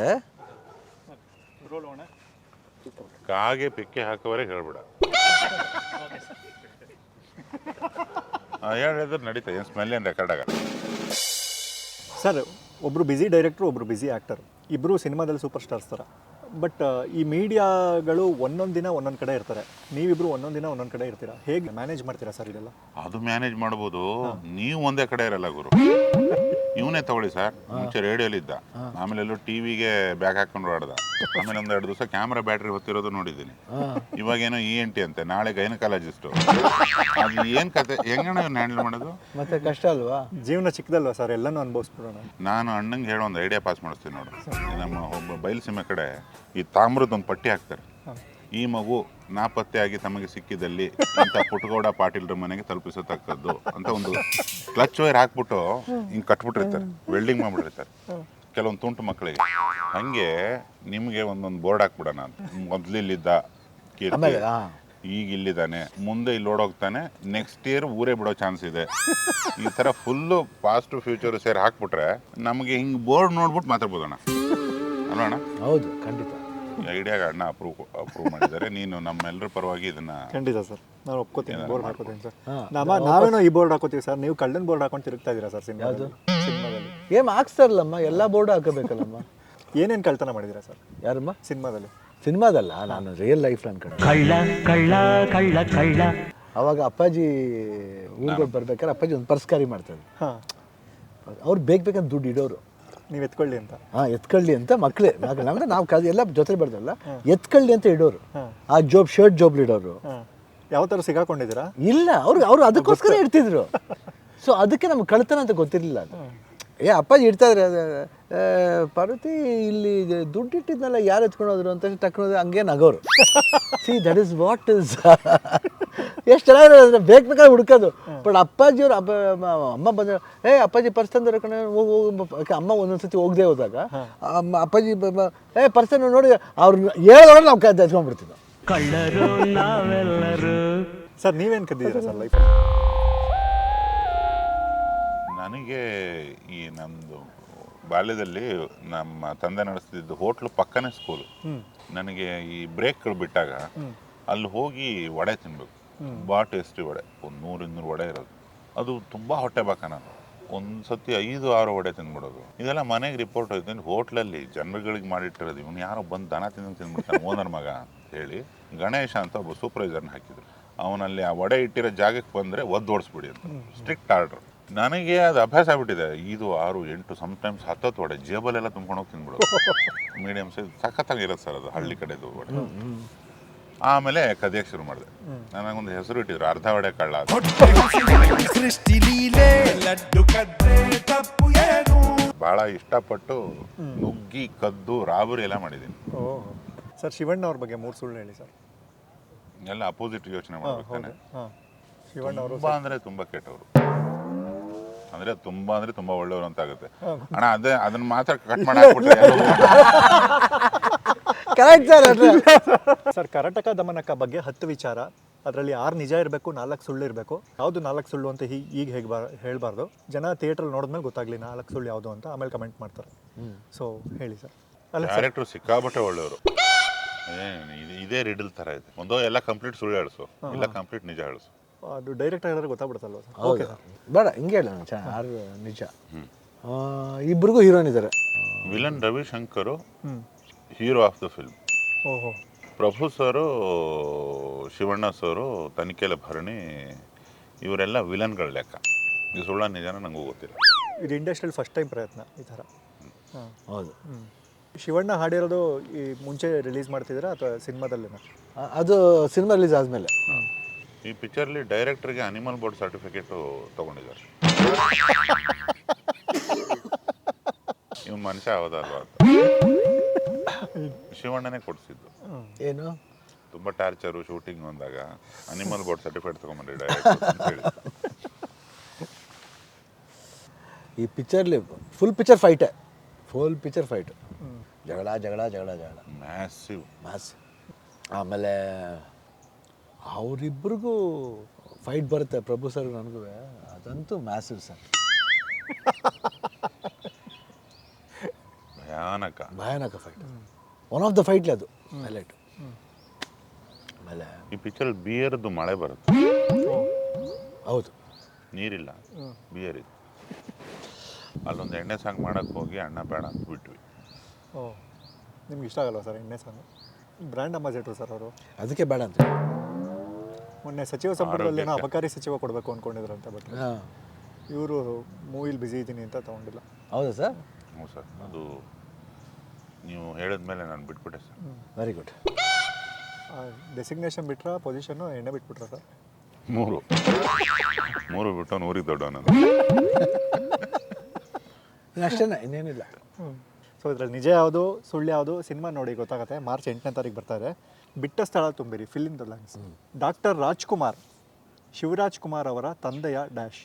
[SPEAKER 3] ಕಾಗೆ ಪಿಕ್ಕೆ ಹಾಕೋವರೆಗೆ ಹೇಳ್ಬಿಡ. ಹೇಳಿದ್ರೆ ನಡೀತಾ, ಏನು ಸ್ಮೆಲ್ ಏನು ರೆಕಾರ್ಡ್ ಆಗಲ್ಲ.
[SPEAKER 1] ಸರ್, ಒಬ್ಬರು ಬ್ಯುಸಿ ಡೈರೆಕ್ಟ್ರು, ಒಬ್ಬರು ಬ್ಯುಸಿ ಆ್ಯಕ್ಟರ್, ಇಬ್ಬರು ಸಿನಿಮಾದಲ್ಲಿ ಸೂಪರ್ ಸ್ಟಾರ್ಸ್ ಥರ. ಬಟ್ ಈ ಮೀಡಿಯಾಗಳು ಒಂದೊಂದು ದಿನ ಒಂದೊಂದು ಕಡೆ ಇರ್ತಾರೆ, ನೀವಿಬ್ಬರು ಒಂದೊಂದು ದಿನ ಒಂದೊಂದು ಕಡೆ ಇರ್ತೀರಾ. ಹೇಗೆ ಮ್ಯಾನೇಜ್ ಮಾಡ್ತೀರಾ ಸರ್ ಇದೆಲ್ಲ?
[SPEAKER 3] ಅದು ಮ್ಯಾನೇಜ್ ಮಾಡ್ಬೋದು, ನೀವು ಒಂದೇ ಕಡೆ ಇರಲ್ಲ ಗುರು. ಇವನೇ ತಗೊಳ್ಳಿ ಸರ್, ಮುಂಚೆ ರೇಡಿಯೋಲಿ ಇದ್ದ, ಆಮೇಲೆ ಎಲ್ಲೋ ಟಿವಿಗೆ ಬ್ಯಾಗ್ ಹಾಕೊಂಡು ಆಡ್ದ, ಆಮೇಲೆ ಒಂದು ಎರಡು ದಿವಸ ಕ್ಯಾಮ್ರಾ ಬ್ಯಾಟ್ರಿ ಹೊತ್ತಿರೋದು ನೋಡಿದ್ದೀನಿ. ಇವಾಗೇನೋ ಇ ಎನ್ ಟಿ ಅಂತೆ, ನಾಳೆ ಗೈನಕಾಲಜಿಸ್ಟು. ಅದು ಏನು ಕತೆ, ಹೆಂಗಣ್ಣ ಇವ್ನ ಹ್ಯಾಂಡಲ್ ಮಾಡೋದು?
[SPEAKER 2] ಮತ್ತೆ ಕಷ್ಟ ಅಲ್ವಾ?
[SPEAKER 1] ಜೀವನ ಚಿಕ್ಕದಲ್ವಾ ಸರ್, ಎಲ್ಲನೂ ಅನುಭವಿಸ್ಬಿಡೋಣ.
[SPEAKER 3] ನಾನು ಅಣ್ಣಂಗೆ ಹೇಳೋ ಒಂದು ಐಡಿಯಾ ಪಾಸ್ ಮಾಡಿಸ್ತೀನಿ ನೋಡು. ನಮ್ಮ ಒಬ್ಬ ಬಯಲುಸೀಮೆ ಕಡೆ ಈ ತಾಮ್ರದ ಒಂದು ಪಟ್ಟಿ ಹಾಕ್ತಾರೆ. ಈ ಮಗು ನಾಪತ್ತೆಯಾಗಿ ತಮಗೆ ಸಿಕ್ಕಿದಲ್ಲಿ ಅಂತ ಪುಟ್ಟಗೌಡ ಪಾಟೀಲ್ರ ಮನೆಗೆ ತಲುಪಿಸತಕ್ಕದ್ದು ಅಂತ ಒಂದು ಕ್ಲಚ್ ವೈರ್ ಹಾಕ್ಬಿಟ್ಟು ಹಿಂಗೆ ಕಟ್ಬಿಟ್ಟಿರ್ತಾರೆ, ವೆಲ್ಡಿಂಗ್ ಮಾಡ್ಬಿಟ್ಟಿರ್ತಾರೆ ಕೆಲವೊಂದು ತುಂಟು ಮಕ್ಕಳಿಗೆ. ಹಂಗೆ ನಿಮಗೆ ಒಂದೊಂದು ಬೋರ್ಡ್ ಹಾಕ್ಬಿಡೋಣ ಅಂತ. ಮೊದಲಿಲ್ಲಿದ್ದ ಕೀರ್ತಿ ಈಗ ಇಲ್ಲಿದ್ದಾನೆ, ಮುಂದೆ ಇಲ್ಲಿ ಓಡೋಗ್ತಾನೆ, ನೆಕ್ಸ್ಟ್ ಇಯರ್ ಊರೇ ಬಿಡೋ ಚಾನ್ಸ್ ಇದೆ. ಈ ಥರ ಫುಲ್ಲು ಪಾಸ್ಟ್ ಫ್ಯೂಚರ್ ಸೇರಿ ಹಾಕ್ಬಿಟ್ರೆ ನಮಗೆ ಹಿಂಗೆ ಬೋರ್ಡ್ ನೋಡ್ಬಿಟ್ಟು ಮಾತಾಡ್ಬೋದಣ್ಣ, ಅಲ್ಲಣ್ಣ?
[SPEAKER 2] ಹೌದು, ಖಂಡಿತ.
[SPEAKER 3] ಐಡಿಯಾಗ ಅಣ್ಣ ಅಪ್ರೂವ್ ಅಪ್ರೂವ್ ಮಾಡಿದ್ದಾರೆ. ನೀನು ನಮ್ಮೆಲ್ಲರ ಪರವಾಗಿ ಇದನ್ನ.
[SPEAKER 1] ಖಂಡಿತ ಸರ್, ನಾನು ಒಪ್ಕೋತೀನಿ, ಬೋರ್ಡ್ ಹಾಕೋತೀನಿ ಸರ್. ನಮ್ಮ ನಾವೇನೋ ಈ ಬೋರ್ಡ್ ಹಾಕೋತೀವಿ ಸರ್, ನೀವು ಕಳ್ಳನ್ ಬೋರ್ಡ್ ಹಾಕೊಂಡು ತಿರುಗ್ತಾ ಇದ್ದೀರಾ ಸರ್ ಸಿನಿಮಾದಲ್ಲಿ. ಸಿನಿಮಾದಲ್ಲಿ
[SPEAKER 2] ಏಮ್ ಹಾಕ್ಸ್ತಾರಲ್ಲಮ್ಮ, ಎಲ್ಲ ಬೋರ್ಡ್ ಹಾಕಬೇಕಲ್ಲಮ್ಮ.
[SPEAKER 1] ಏನೇನು ಕಳ್ತನ ಮಾಡಿದ್ದೀರಾ ಸರ್
[SPEAKER 2] ಯಾರಮ್ಮ?
[SPEAKER 1] ಸಿನಿಮಾದಲ್ಲಿ?
[SPEAKER 2] ಸಿನಿಮಾದಲ್ಲ, ನಾನು ರಿಯಲ್ ಲೈಫ್ ನನ್ನ ಕಡೆ.
[SPEAKER 7] ಕಳ್ಳ ಕಳ್ಳ ಕಳ್ಳ ಕಳ್ಳ
[SPEAKER 2] ಅವಾಗ ಅಪ್ಪಾಜಿ ಊರಿಗೆ ಬರ್ಬೇಕಾದ್ರೆ ಅಪ್ಪಾಜಿ ಒಂದು ಪರ್ಸ್ಕಾರಿ ಮಾಡ್ತಾರೆ.
[SPEAKER 1] ಹಾಂ,
[SPEAKER 2] ಅವ್ರು ಬೇಕು ಬೇಕಂತ ದುಡ್ಡು ಇಡೋರು,
[SPEAKER 1] ನೀವು ಎತ್ಕೊಳ್ಳಿ ಅಂತ.
[SPEAKER 2] ಹಾಂ, ಎತ್ಕೊಳ್ಳಿ ಅಂತ ಮಕ್ಕಳೇ ಮಕ್ಕಳು ನಮ್ದು ನಾವು ಕಲ್ ಎಲ್ಲ ಜೊತೆ ಬರ್ದಲ್ಲ, ಎತ್ಕೊಳ್ಳಿ ಅಂತ ಇಡೋರು. ಆ ಜೋಬ್ ಶರ್ಟ್ ಜೋಬ್ಲಿ ಇಡೋರು.
[SPEAKER 1] ಹಾಂ, ಯಾವ ಥರ ಸಿಗಾಕೊಂಡಿದ್ದೀರಾ?
[SPEAKER 2] ಇಲ್ಲ, ಅವ್ರು ಅವ್ರು ಅದಕ್ಕೋಸ್ಕರ ಇಡ್ತಿದ್ರು. ಸೊ ಅದಕ್ಕೆ ನಮ್ಗೆ ಕಳ್ತನ ಅಂತ ಗೊತ್ತಿರಲಿಲ್ಲ. ಏ ಅಪ್ಪಾಜಿ ಇಡ್ತಾ ಇದ್ರೆ ಪಾರ್ವತಿ ಇಲ್ಲಿ ದುಡ್ಡು ಇಟ್ಟಿದ್ನಲ್ಲ ಯಾರು ಎತ್ಕೊಂಡೋದ್ರು ಅಂತ ತಕ್ಕೊಂಡ್ರೆ ಹಂಗೆ ನಗೋರು. See that is what is. ಎಷ್ಟು ಚೆನ್ನಾಗಿರೋದ್ರೆ ಬೇಕು ಬೇಕಾದ್ರೆ ಹುಡ್ಕೋದು. ಬಟ್ ಅಪ್ಪಾಜಿಯವ್ರು ಅಪ್ಪ ಅಮ್ಮ ಬಂದ ಏ ಅಪ್ಪಾಜಿ ಪರ್ಸ್ ತಂದ್ರೆ ಕಣ ಹೋಗಿ ಅಮ್ಮ ಒಂದೊಂದ್ಸತಿ ಹೋಗದೆ ಹೋದಾಗ ಅಮ್ಮ ಅಪ್ಪಾಜಿ ಏ ಪರ್ಸನ್ ನೋಡಿ ಅವ್ರು ಹೇಳೋದ್ರೆ ನಾವು ಕೈ ಎತ್ಕೊಂಡ್ಬಿಡ್ತಿದ್ದೋ.
[SPEAKER 7] ಕಳ್ಳರು ನಾವೆಲ್ಲರೂ.
[SPEAKER 1] ಸರ್ ನೀವೇನು ಕದ್ದಿದ್ದೀರಾ ಸರ್ ಲೈಫ್?
[SPEAKER 3] ನನಗೆ ಈ ನಮ್ಮದು ಬಾಲ್ಯದಲ್ಲಿ ನಮ್ಮ ತಂದೆ ನಡೆಸ್ತಿದ್ದು ಹೋಟ್ಲು ಪಕ್ಕನೇ ಸ್ಕೂಲು. ನನಗೆ ಈ ಬ್ರೇಕ್ಗಳು ಬಿಟ್ಟಾಗ ಅಲ್ಲಿ ಹೋಗಿ ವಡೆ ತಿನ್ಬೇಕು. ತುಂಬ ಟೇಸ್ಟಿ ವಡೆ, ಒಂದು ನೂರು ಇನ್ನೂರು ವಡೆ ಇರೋದು. ಅದು ತುಂಬ ಹೊಟ್ಟೆ ಬಾಕ. ನಾನು ಒಂದು ಸತಿ ಐದು ಆರು ವಡೆ ತಿಂದ್ಬಿಡೋದು. ಇದೆಲ್ಲ ಮನೆಗೆ ರಿಪೋರ್ಟ್ ಹೋಯ್ತು. ಹೋಟ್ಲಲ್ಲಿ ಜನರುಗಳಿಗೆ ಮಾಡಿಟ್ಟಿರೋದು, ಇವನು ಯಾರೋ ಬಂದು ದನ ತಿಂದು ತಿಂದ್ಬಿಡ್ತಾನೆ ಓನರ್ ಮಗ ಅಂತ ಹೇಳಿ ಗಣೇಶ ಅಂತ ಒಬ್ಬ ಸೂಪರ್ವೈಸರ್ನ ಹಾಕಿದ್ರು. ಅವನಲ್ಲಿ ಆ ವಡೆ ಇಟ್ಟಿರೋ ಜಾಗಕ್ಕೆ ಬಂದರೆ ಒದ್ದು ಓಡಿಸ್ಬಿಡಿ ಅಂತ ಸ್ಟ್ರಿಕ್ಟ್ ಆರ್ಡ್ರು. ನನಗೆ ಅದು ಅಭ್ಯಾಸ ಆಗ್ಬಿಟ್ಟಿದೆ. ಐದು ಆರು ಎಂಟು ಸಮ್ಟೈಮ್ಸ್ ಹತ್ತತ್ತು ವಡೆ ಜೇಬಲೆಲ್ಲ ತುಂಬ್ಕೊಂಡು ಹೋಗಿ ತಿಂದ್ಬಿಡೋದು. ಮೀಡಿಯಮ್ ಸೈಜ್ ಸಖತ್ತಾಗಿರೋದು ಸರ್ ಅದು, ಹಳ್ಳಿ ಕಡೆದು ವಡೆ. ಆಮೇಲೆ ಕದಿಯಕ್ಕೆ ಶುರು ಮಾಡಿದೆ. ನನಗೊಂದು ಹೆಸರು ಇಟ್ಟಿದ್ರು, ಅರ್ಧ ವಡೆ ಕಳ್ಳ. ಭಾಳ ಇಷ್ಟಪಟ್ಟು ನುಗ್ಗಿ ಕದ್ದು ರಾಬರಿ ಎಲ್ಲ ಮಾಡಿದ್ದೀನಿ.
[SPEAKER 1] ಓಹ್ ಸರ್, ಶಿವಣ್ಣ ಅವ್ರ ಬಗ್ಗೆ ಮೂರು ಸುಳ್ಳು ಹೇಳಿ ಸರ್.
[SPEAKER 3] ಎಲ್ಲ ಅಪೋಸಿಟ್ ಯೋಚನೆ ಮಾಡ್ಬೇಕಾನೆ.
[SPEAKER 1] ಹಾಂ, ಶಿವಣ್ಣ ಅವರು
[SPEAKER 3] ತುಂಬ ಅಂದರೆ ತುಂಬ ಕೆಟ್ಟವರು, ಅಂದರೆ ತುಂಬ ಅಂದರೆ ತುಂಬ ಒಳ್ಳೆಯವರು ಅಂತ ಆಗುತ್ತೆ ಅಣ್ಣ. ಅದೇ ಅದನ್ನ ಮಾತ್ರ ಕಟ್ ಮಾಡಿ ಹಾಕ್ಬಿಟ್ರೆ
[SPEAKER 2] correct sir.
[SPEAKER 1] Sir, Karataka Damanaka ಬಗ್ಗೆ ಹತ್ತು ವಿಚಾರ, ಅದರಲ್ಲಿ ಆರು ನಿಜ ಇರಬೇಕು, ನಾಲ್ಕು ಸುಳ್ಳು ಇರಬೇಕು. ಯಾವುದು ನಾಲ್ಕು ಸುಳ್ಳು ಅಂತ ಹೀಗೆ ಈಗ ಹೇಗೆ ಬಾ ಹೇಳಬಾರ್ದು. ಜನ ಥಿಯೇಟ್ರಲ್ಲಿ ನೋಡಿದ್ಮೇಲೆ ಗೊತ್ತಾಗಲಿ ನಾಲ್ಕು ಸುಳ್ಳು ಯಾವುದು ಅಂತ, ಆಮೇಲೆ ಕಮೆಂಟ್ ಮಾಡ್ತಾರೆ. ಸೊ ಹೇಳಿ ಸರ್. ಅಲ್ಲ
[SPEAKER 3] ಡೈರೆಕ್ಟ್ರು ಸಿಕ್ಕಾಬಟ್ಟೆ ಒಳ್ಳೆಯವರು. ಇದೇ ರಿಡಲ್ ಥರ ಇದೆ. ಒಂದೋ ಎಲ್ಲ ಕಂಪ್ಲೀಟ್ ಸುಳ್ಳು ಹೇಳಿಸು, ಇಲ್ಲ ಕಂಪ್ಲೀಟ್ ನಿಜ ಹೇಳಿಸು.
[SPEAKER 1] ಅದು ಡೈರೆಕ್ಟ್ ಆಗಿದ್ರೆ ಗೊತ್ತಾಗ್ಬಿಡುತ್ತಲ್ವ ಸರ್?
[SPEAKER 2] ಓಕೆ ಸರ್, ಬೇಡ ಹಿಂಗೆ ಹೇಳ ಆರು ನಿಜ. ಇಬ್ಬರಿಗೂ ಹೀರೋಯಿನ್ ಇದ್ದಾರೆ.
[SPEAKER 3] Villain Ravishankar hero of the film.
[SPEAKER 1] ಓಹೋ,
[SPEAKER 3] ಪ್ರಭು ಸರು, ಶಿವಣ್ಣ ಸರು, ತನಿಖೆಲೆ ಭರಣಿ ಇವರೆಲ್ಲ ವಿಲನ್ಗಳ ಲೆಕ್ಕ. ಇದು ಸುಳ್ಳ ನಿಜಾನ ನನಗೂ ಗೊತ್ತಿಲ್ಲ.
[SPEAKER 1] ಇದು ಇಂಡಸ್ಟ್ರಿಯಲ್ಲಿ ಫಸ್ಟ್ ಟೈಮ್ ಪ್ರಯತ್ನ ಈ ಥರ. ಹಾಂ,
[SPEAKER 2] ಹೌದು.
[SPEAKER 1] ಶಿವಣ್ಣ ಹಾಡಿರೋದು ಈ ಮುಂಚೆ ರಿಲೀಸ್ ಮಾಡ್ತಿದ್ದೀರಾ ಅಥವಾ ಸಿನಿಮಾದಲ್ಲೇನಾ?
[SPEAKER 2] ಆ, ಅದು ಸಿನಿಮಾ ರಿಲೀಸ್ ಆದಮೇಲೆ.
[SPEAKER 3] ಈ ಪಿಕ್ಚರ್ಲಿ ಡೈರೆಕ್ಟರ್ಗೆ ಅನಿಮಲ್ ಬೋರ್ಡ್ ಸರ್ಟಿಫಿಕೇಟು ತೊಗೊಂಡಿದ್ದಾರೆ. ಇವ್ ಮನುಷ್ಯ ಹೌದಲ್ವಾ ಅಂತ ಶಿವಣ್ಣನೇ ಕೊಡಿಸಿದ್ದು.
[SPEAKER 2] ಏನು
[SPEAKER 3] ತುಂಬ ಟಾರ್ಚರು ಶೂಟಿಂಗ್ ಬಂದಾಗ ಅನಿಮಲ್ ಬೋರ್ಡ್ ಸರ್ಟಿಫಿಕೇಟ್ ತೊಗೊಂಬಂದ್ರಿ ಡೈರೆಕ್ಟರ್ ಅಂತ ಹೇಳಿ.
[SPEAKER 2] ಈ ಪಿಕ್ಚರ್ಲಿ ಫುಲ್ ಪಿಕ್ಚರ್ ಫೈಟೇ, ಫುಲ್ ಪಿಕ್ಚರ್ ಫೈಟು, ಜಗಳ ಜಗಳ ಜಗಳ ಜಗಳ
[SPEAKER 3] ಮ್ಯಾಸಿವ್
[SPEAKER 2] ಮಾಸ್. ಆಮೇಲೆ ಅವರಿಬ್ರಿಗೂ ಫೈಟ್ ಬರುತ್ತೆ, ಪ್ರಭು ಸರ್ ನನಗೂ, ಅದಂತೂ ಮ್ಯಾಸಿವ್ ಸರ್.
[SPEAKER 3] ಭಯಾನಕ
[SPEAKER 2] ಭಯಾನಕ ಫೈಟ್, ಒನ್ ಆಫ್ ದ ಫೈಟ್ಲಿ ಅದು ಹೈಲೈಟು. ಆಮೇಲೆ
[SPEAKER 3] ಈ ಪಿಕ್ಚರ್ ಬಿಯರ್ದು ಮಳೆ ಬರುತ್ತೆ.
[SPEAKER 2] ಹೌದು,
[SPEAKER 3] ನೀರಿಲ್ಲ, ಬಿಯರ್ ಇದೆ. ಅಲ್ಲೊಂದು ಎಣ್ಣೆ ಸಾಂಗ್ ಮಾಡಕ್ಕೆ ಹೋಗಿ ಅಣ್ಣ ಬೇಡ ಅಂತ ಬಿಟ್ವಿ.
[SPEAKER 1] ಓ, ನಿಮ್ಗೆ ಇಷ್ಟ ಆಗಲ್ವಾ ಸರ್ ಎಣ್ಣೆ ಸಾಂಗು? ಬ್ರ್ಯಾಂಡ್ ಅಂಬಾಸಿಡರ್ ಸರ್ ಅವರು.
[SPEAKER 2] ಅದಕ್ಕೆ ಬೇಡ ಅಂತ.
[SPEAKER 1] ಮೊನ್ನೆ ಸಚಿವ ಸಂಪುಟದಲ್ಲಿ ಏನೋ ಅಬಕಾರಿ ಸಚಿವ ಕೊಡಬೇಕು ಅಂದ್ಕೊಂಡಿದ್ರಂತೆ, ಬಟ್
[SPEAKER 2] ಹಾಂ,
[SPEAKER 1] ಇವರು ಮೂವಿಲಿ ಬ್ಯುಸಿ ಇದ್ದೀನಿ ಅಂತ ತೊಗೊಂಡಿಲ್ಲ.
[SPEAKER 2] ಹೌದಾ ಸರ್?
[SPEAKER 3] ಹ್ಞೂ ಸರ್, ಅದು ನೀವು ಹೇಳಿದ್ಮೇಲೆ ನಾನು ಬಿಟ್ಬಿಟ್ಟೆ ಸರ್.
[SPEAKER 2] Very good.
[SPEAKER 1] ಡೆಸಿಗ್ನೇಷನ್ ಬಿಟ್ರಾ, ಪೊಸಿಷನ್ನು ಎಣ್ಣೆ ಬಿಟ್ಬಿಟ್ರಾ ಸರ್?
[SPEAKER 3] ಮೂರು ಮೂರು ಬಿಟ್ಟು ನೂರಿಗೆ ದೊಡ್ಡ ನಾನು.
[SPEAKER 2] ಅಷ್ಟೇ, ಇನ್ನೇನಿಲ್ಲ.
[SPEAKER 1] ಸೊ ಇದ್ರಲ್ಲಿ ನಿಜ ಯಾವುದು ಸುಳ್ಳು ಯಾವುದು ಸಿನಿಮಾ ನೋಡಿ ಗೊತ್ತಾಗುತ್ತೆ. ಮಾರ್ಚ್ ಎಂಟನೇ ತಾರೀಕು ಬರ್ತಾ ಇದೆ. ಬಿಟ್ಟ ಸ್ಥಳ ತುಂಬಿರಿ, fill in the blanks. Doctor Rajkumar Shivaraj Kumar ಅವರ ತಂದೆಯ ಡ್ಯಾಶ್.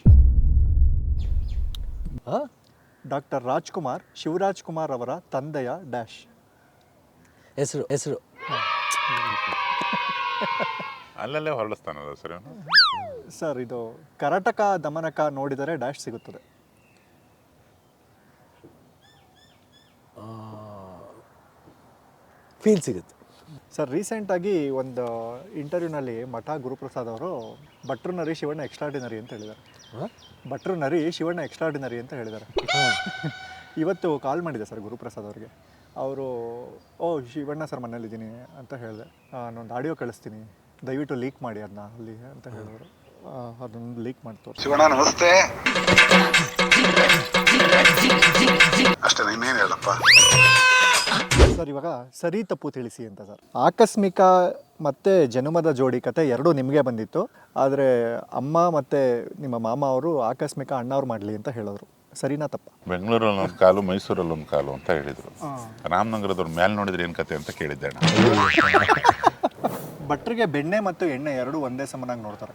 [SPEAKER 2] ಹಾಂ,
[SPEAKER 1] ಡಾಕ್ಟರ್ ರಾಜ್ಕುಮಾರ್ ಶಿವರಾಜ್ ಕುಮಾರ್ ಅವರ ತಂದೆಯ ಡ್ಯಾಶ್.
[SPEAKER 2] ಹೆಸರು ಹೆಸರು
[SPEAKER 3] ಅಲ್ಲಲ್ಲೇ ಹೊರಡಿಸ್ತಾನಲ್ಲ ಸರ್ ಇವನು.
[SPEAKER 1] ಸರ್ ಇದು ಕರಟಕ ದಮನಕ ನೋಡಿದರೆ ಡ್ಯಾಶ್ ಸಿಗುತ್ತದೆ.
[SPEAKER 2] ಫೀಲ್ ಸಿಗುತ್ತೆ.
[SPEAKER 1] ಸರ್ ರೀಸೆಂಟಾಗಿ ಒಂದು ಇಂಟರ್ವ್ಯೂನಲ್ಲಿ ಮಠ ಗುರುಪ್ರಸಾದ್ ಅವರು ಭಟ್ರು ನರಿ ಶಿವಣ್ಣ ಎಕ್ಸ್ಟ್ರಾರ್ಡಿನರಿ ಅಂತ ಹೇಳಿದ್ದಾರೆ. ಭಟ್ರು ನರಿ ಶಿವಣ್ಣ ಎಕ್ಸ್ಟ್ರಾರ್ಡಿನರಿ ಅಂತ ಹೇಳಿದ್ದಾರೆ. ಇವತ್ತು ಕಾಲ್ ಮಾಡಿದೆ ಸರ್ ಗುರುಪ್ರಸಾದ್ ಅವರಿಗೆ. ಅವರು ಓ ಶಿವಣ್ಣ ಸರ್ ಮನೇಲಿದ್ದೀನಿ ಅಂತ ಹೇಳಿದೆ, ನಾನೊಂದು ಆಡಿಯೋ ಕಳಿಸ್ತೀನಿ ದಯವಿಟ್ಟು ಲೀಕ್ ಮಾಡಿ ಅದನ್ನ ಅಲ್ಲಿ ಅಂತ ಹೇಳಿದ್ರು. ಅದೊಂದು ಲೀಕ್ ಮಾಡಿ ತೋರಿಸಿ.
[SPEAKER 8] ಶಿವಣ್ಣ ನಮಸ್ತೆ. ಅಷ್ಟೇ, ಇನ್ನೇನು ಹೇಳಪ್ಪ
[SPEAKER 1] ಸರ್. ಇವಾಗ ಸರಿ ತಪ್ಪು ತಿಳಿಸಿ ಅಂತ ಸರ್. ಆಕಸ್ಮಿಕ ಮತ್ತು ಜನುಮದ ಜೋಡಿ ಕತೆ ಎರಡೂ ನಿಮಗೆ ಬಂದಿತ್ತು, ಆದರೆ ಅಮ್ಮ ಮತ್ತು ನಿಮ್ಮ ಮಾಮ ಅವರು ಆಕಸ್ಮಿಕ ಅಣ್ಣವ್ರು ಮಾಡಲಿ ಅಂತ ಹೇಳಿದ್ರು. ಸರಿನಾ ತಪ್ಪ?
[SPEAKER 3] ಬೆಂಗಳೂರಲ್ಲಿ ಒಂದು ಕಾಲು, ಮೈಸೂರಲ್ಲಿ ಒಂದು ಕಾಲು ಅಂತ ಹೇಳಿದರು. ರಾಮನಗರದವ್ರು ಮೇಲೆ ನೋಡಿದ್ರೆ ಏನು ಕತೆ ಅಂತ ಕೇಳಿದ್ದೆ.
[SPEAKER 1] ಭಟ್ರಿಗೆ ಬೆಣ್ಣೆ ಮತ್ತು ಎಣ್ಣೆ ಎರಡೂ ಒಂದೇ ಸಮನಾಗಿ ನೋಡ್ತಾರೆ.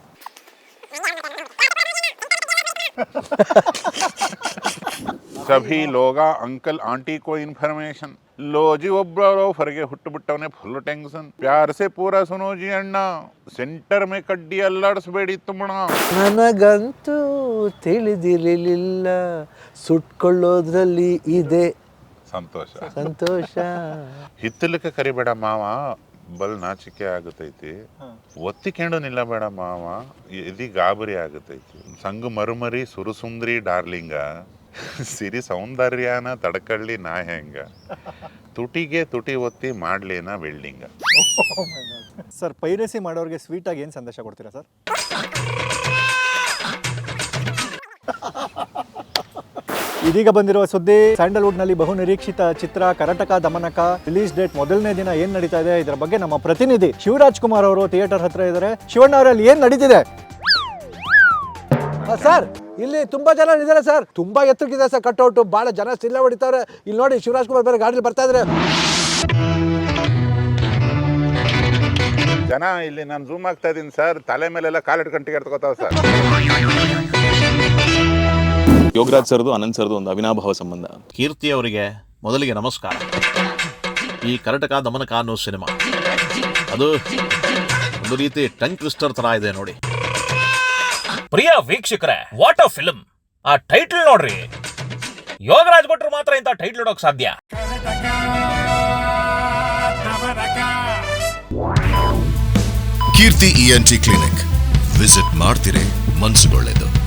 [SPEAKER 3] ಸಭಿ ಲೋಗ ಅಂಕಲ್ ಆಂಟಿ ಕೋ ಇನ್ಫಾರ್ಮೇಶನ್ ಲೋಜಿ ಒಬ್ಬರು ಹೊರಗೆ ಹುಟ್ಟು ಬಿಟ್ಟವನೇ ಫುಲ್ ಟೆನ್ಷನ್. ಪ್ಯಾರ್ ಸೆ ಪೂರಾ ಸುನೋಜಿ ಅಣ್ಣ, ಸೆಂಟರ್ ಮೇ ಕಡ್ಡಿ ಅಲ್ಲಾಡಿಸ್ಬೇಡಿ ತುಮ್ಮಣ.
[SPEAKER 2] ನನಗಂತೂ ತಿಳಿದಿರಲಿಲ್ಲ ಸುಟ್ಕೊಳ್ಳೋದ್ರಲ್ಲಿ ಇದೆ
[SPEAKER 3] ಸಂತೋಷ
[SPEAKER 2] ಸಂತೋಷ.
[SPEAKER 3] ಹಿತ್ತಲಕ್ಕೆ ಕರಿಬೇಡ ಮಾವ, ಬಲ್ ನಾಚಿಕೆ ಆಗತೈತಿ. ಒತ್ತಿಕೊಂಡು ನಿಲ್ಲಬೇಡ ಮಾವ, ಎದಿ ಗಾಬರಿ ಆಗತೈತಿ. ಸಂಗು ಮರುಮರಿ ಸುರುಸುಂದ್ರಿ ಡಾರ್ಲಿಂಗ, ಸಿರಿ ಸೌಂದರ್ಯನ ತಡಕಳ್ಳಿ ನಾ ಹೆಂಗ, ತುಟಿಗೆ ತುಟಿ ಒತ್ತಿ ಮಾಡ್ಲೇನ ವೆಲ್ಡಿಂಗ.
[SPEAKER 1] ಸರ್ ಪೈರಸಿ ಮಾಡೋರಿಗೆ ಸ್ವೀಟಾಗಿ ಏನು ಸಂದೇಶ ಕೊಡ್ತೀರಾ ಸರ್? ಇದೀಗ ಬಂದಿರುವ ಸುದ್ದಿ, ಸ್ಯಾಂಡಲ್ವುಡ್ನಲ್ಲಿ ಬಹು ನಿರೀಕ್ಷಿತ ಚಿತ್ರ ಕರಟಕ ದಮನಕ ರಿಲೀಸ್ ಡೇಟ್ ಮೊದಲನೇ ದಿನ ಏನ್ ನಡೀತಾ ಇದೆ ಇದರ ಬಗ್ಗೆ ನಮ್ಮ ಪ್ರತಿನಿಧಿ ಶಿವರಾಜ್ ಕುಮಾರ್ ಅವರು ಥಿಯೇಟರ್ ಹತ್ರ ಇದ್ದಾರೆ. ಶಿವಣ್ಣ ಅವರಲ್ಲಿ ಏನ್ ನಡೀತಿದೆ
[SPEAKER 2] ಸರ್? ಇಲ್ಲಿ ತುಂಬಾ ಜನ ಇದ್ದಾರೆ ಸರ್, ತುಂಬಾ ಎತ್ತರಕ್ಕಿದೆ ಸರ್ ಕಟ್ಔಟ್, ಬಹಳ ಜನ ಸಿಲ್ಲ ಹೊಡಿತಾರೆ. ಇಲ್ಲಿ ನೋಡಿ ಶಿವರಾಜ್ ಕುಮಾರ್ ಬೇರೆ ಗಾಡಿಲಿ ಬರ್ತಾ ಇದ್ದಾರೆ.
[SPEAKER 3] ಜನ ಇಲ್ಲಿ ನಾನು ಝೂಮ್ ಆಗ್ತಾ ಇದ್ದೀನಿ ಸರ್, ತಲೆ ಮೇಲೆಲ್ಲ ಕಾಲಿಟ್ಕೊಂಡು ಟಿಕೆಟ್ ತಗೋತಾವ ಸರ್.
[SPEAKER 9] ಯೋಗರಾಜ್ ಸರ್ದು ಅನಂತ್ ಸರ್ದು ಒಂದು ಅವಿನಾಭಾವ ಸಂಬಂಧ.
[SPEAKER 10] ಕೀರ್ತಿ ಅವರಿಗೆ ಮೊದಲಿಗೆ ನಮಸ್ಕಾರ. ಈ ಕರಟಕ ದಮನಕ ಅನ್ನೋ ಸಿನಿಮಾ ಅದು ಒಂದು ರೀತಿ ಟಂಗ್ ಟ್ವಿಸ್ಟರ್ ತರ ಇದೆ ನೋಡಿ. ಪ್ರಿಯ ವೀಕ್ಷಕರೇ, ವಾಟ್ ಅ ಫಿಲ್ಮ್! ಆ ಟೈಟಲ್ ನೋಡ್ರಿ, ಯೋಗರಾಜ್ ಭಟ್ರು ಮಾತ್ರ ಇಂಥ ಟೈಟಲ್ ಇಡೋಕ್ ಸಾಧ್ಯ.
[SPEAKER 4] Keerthi E N T clinic visit ಮಾಡ್ತಿರೇ ಮನ್ಸುಗೊಳ್ಳೆದು.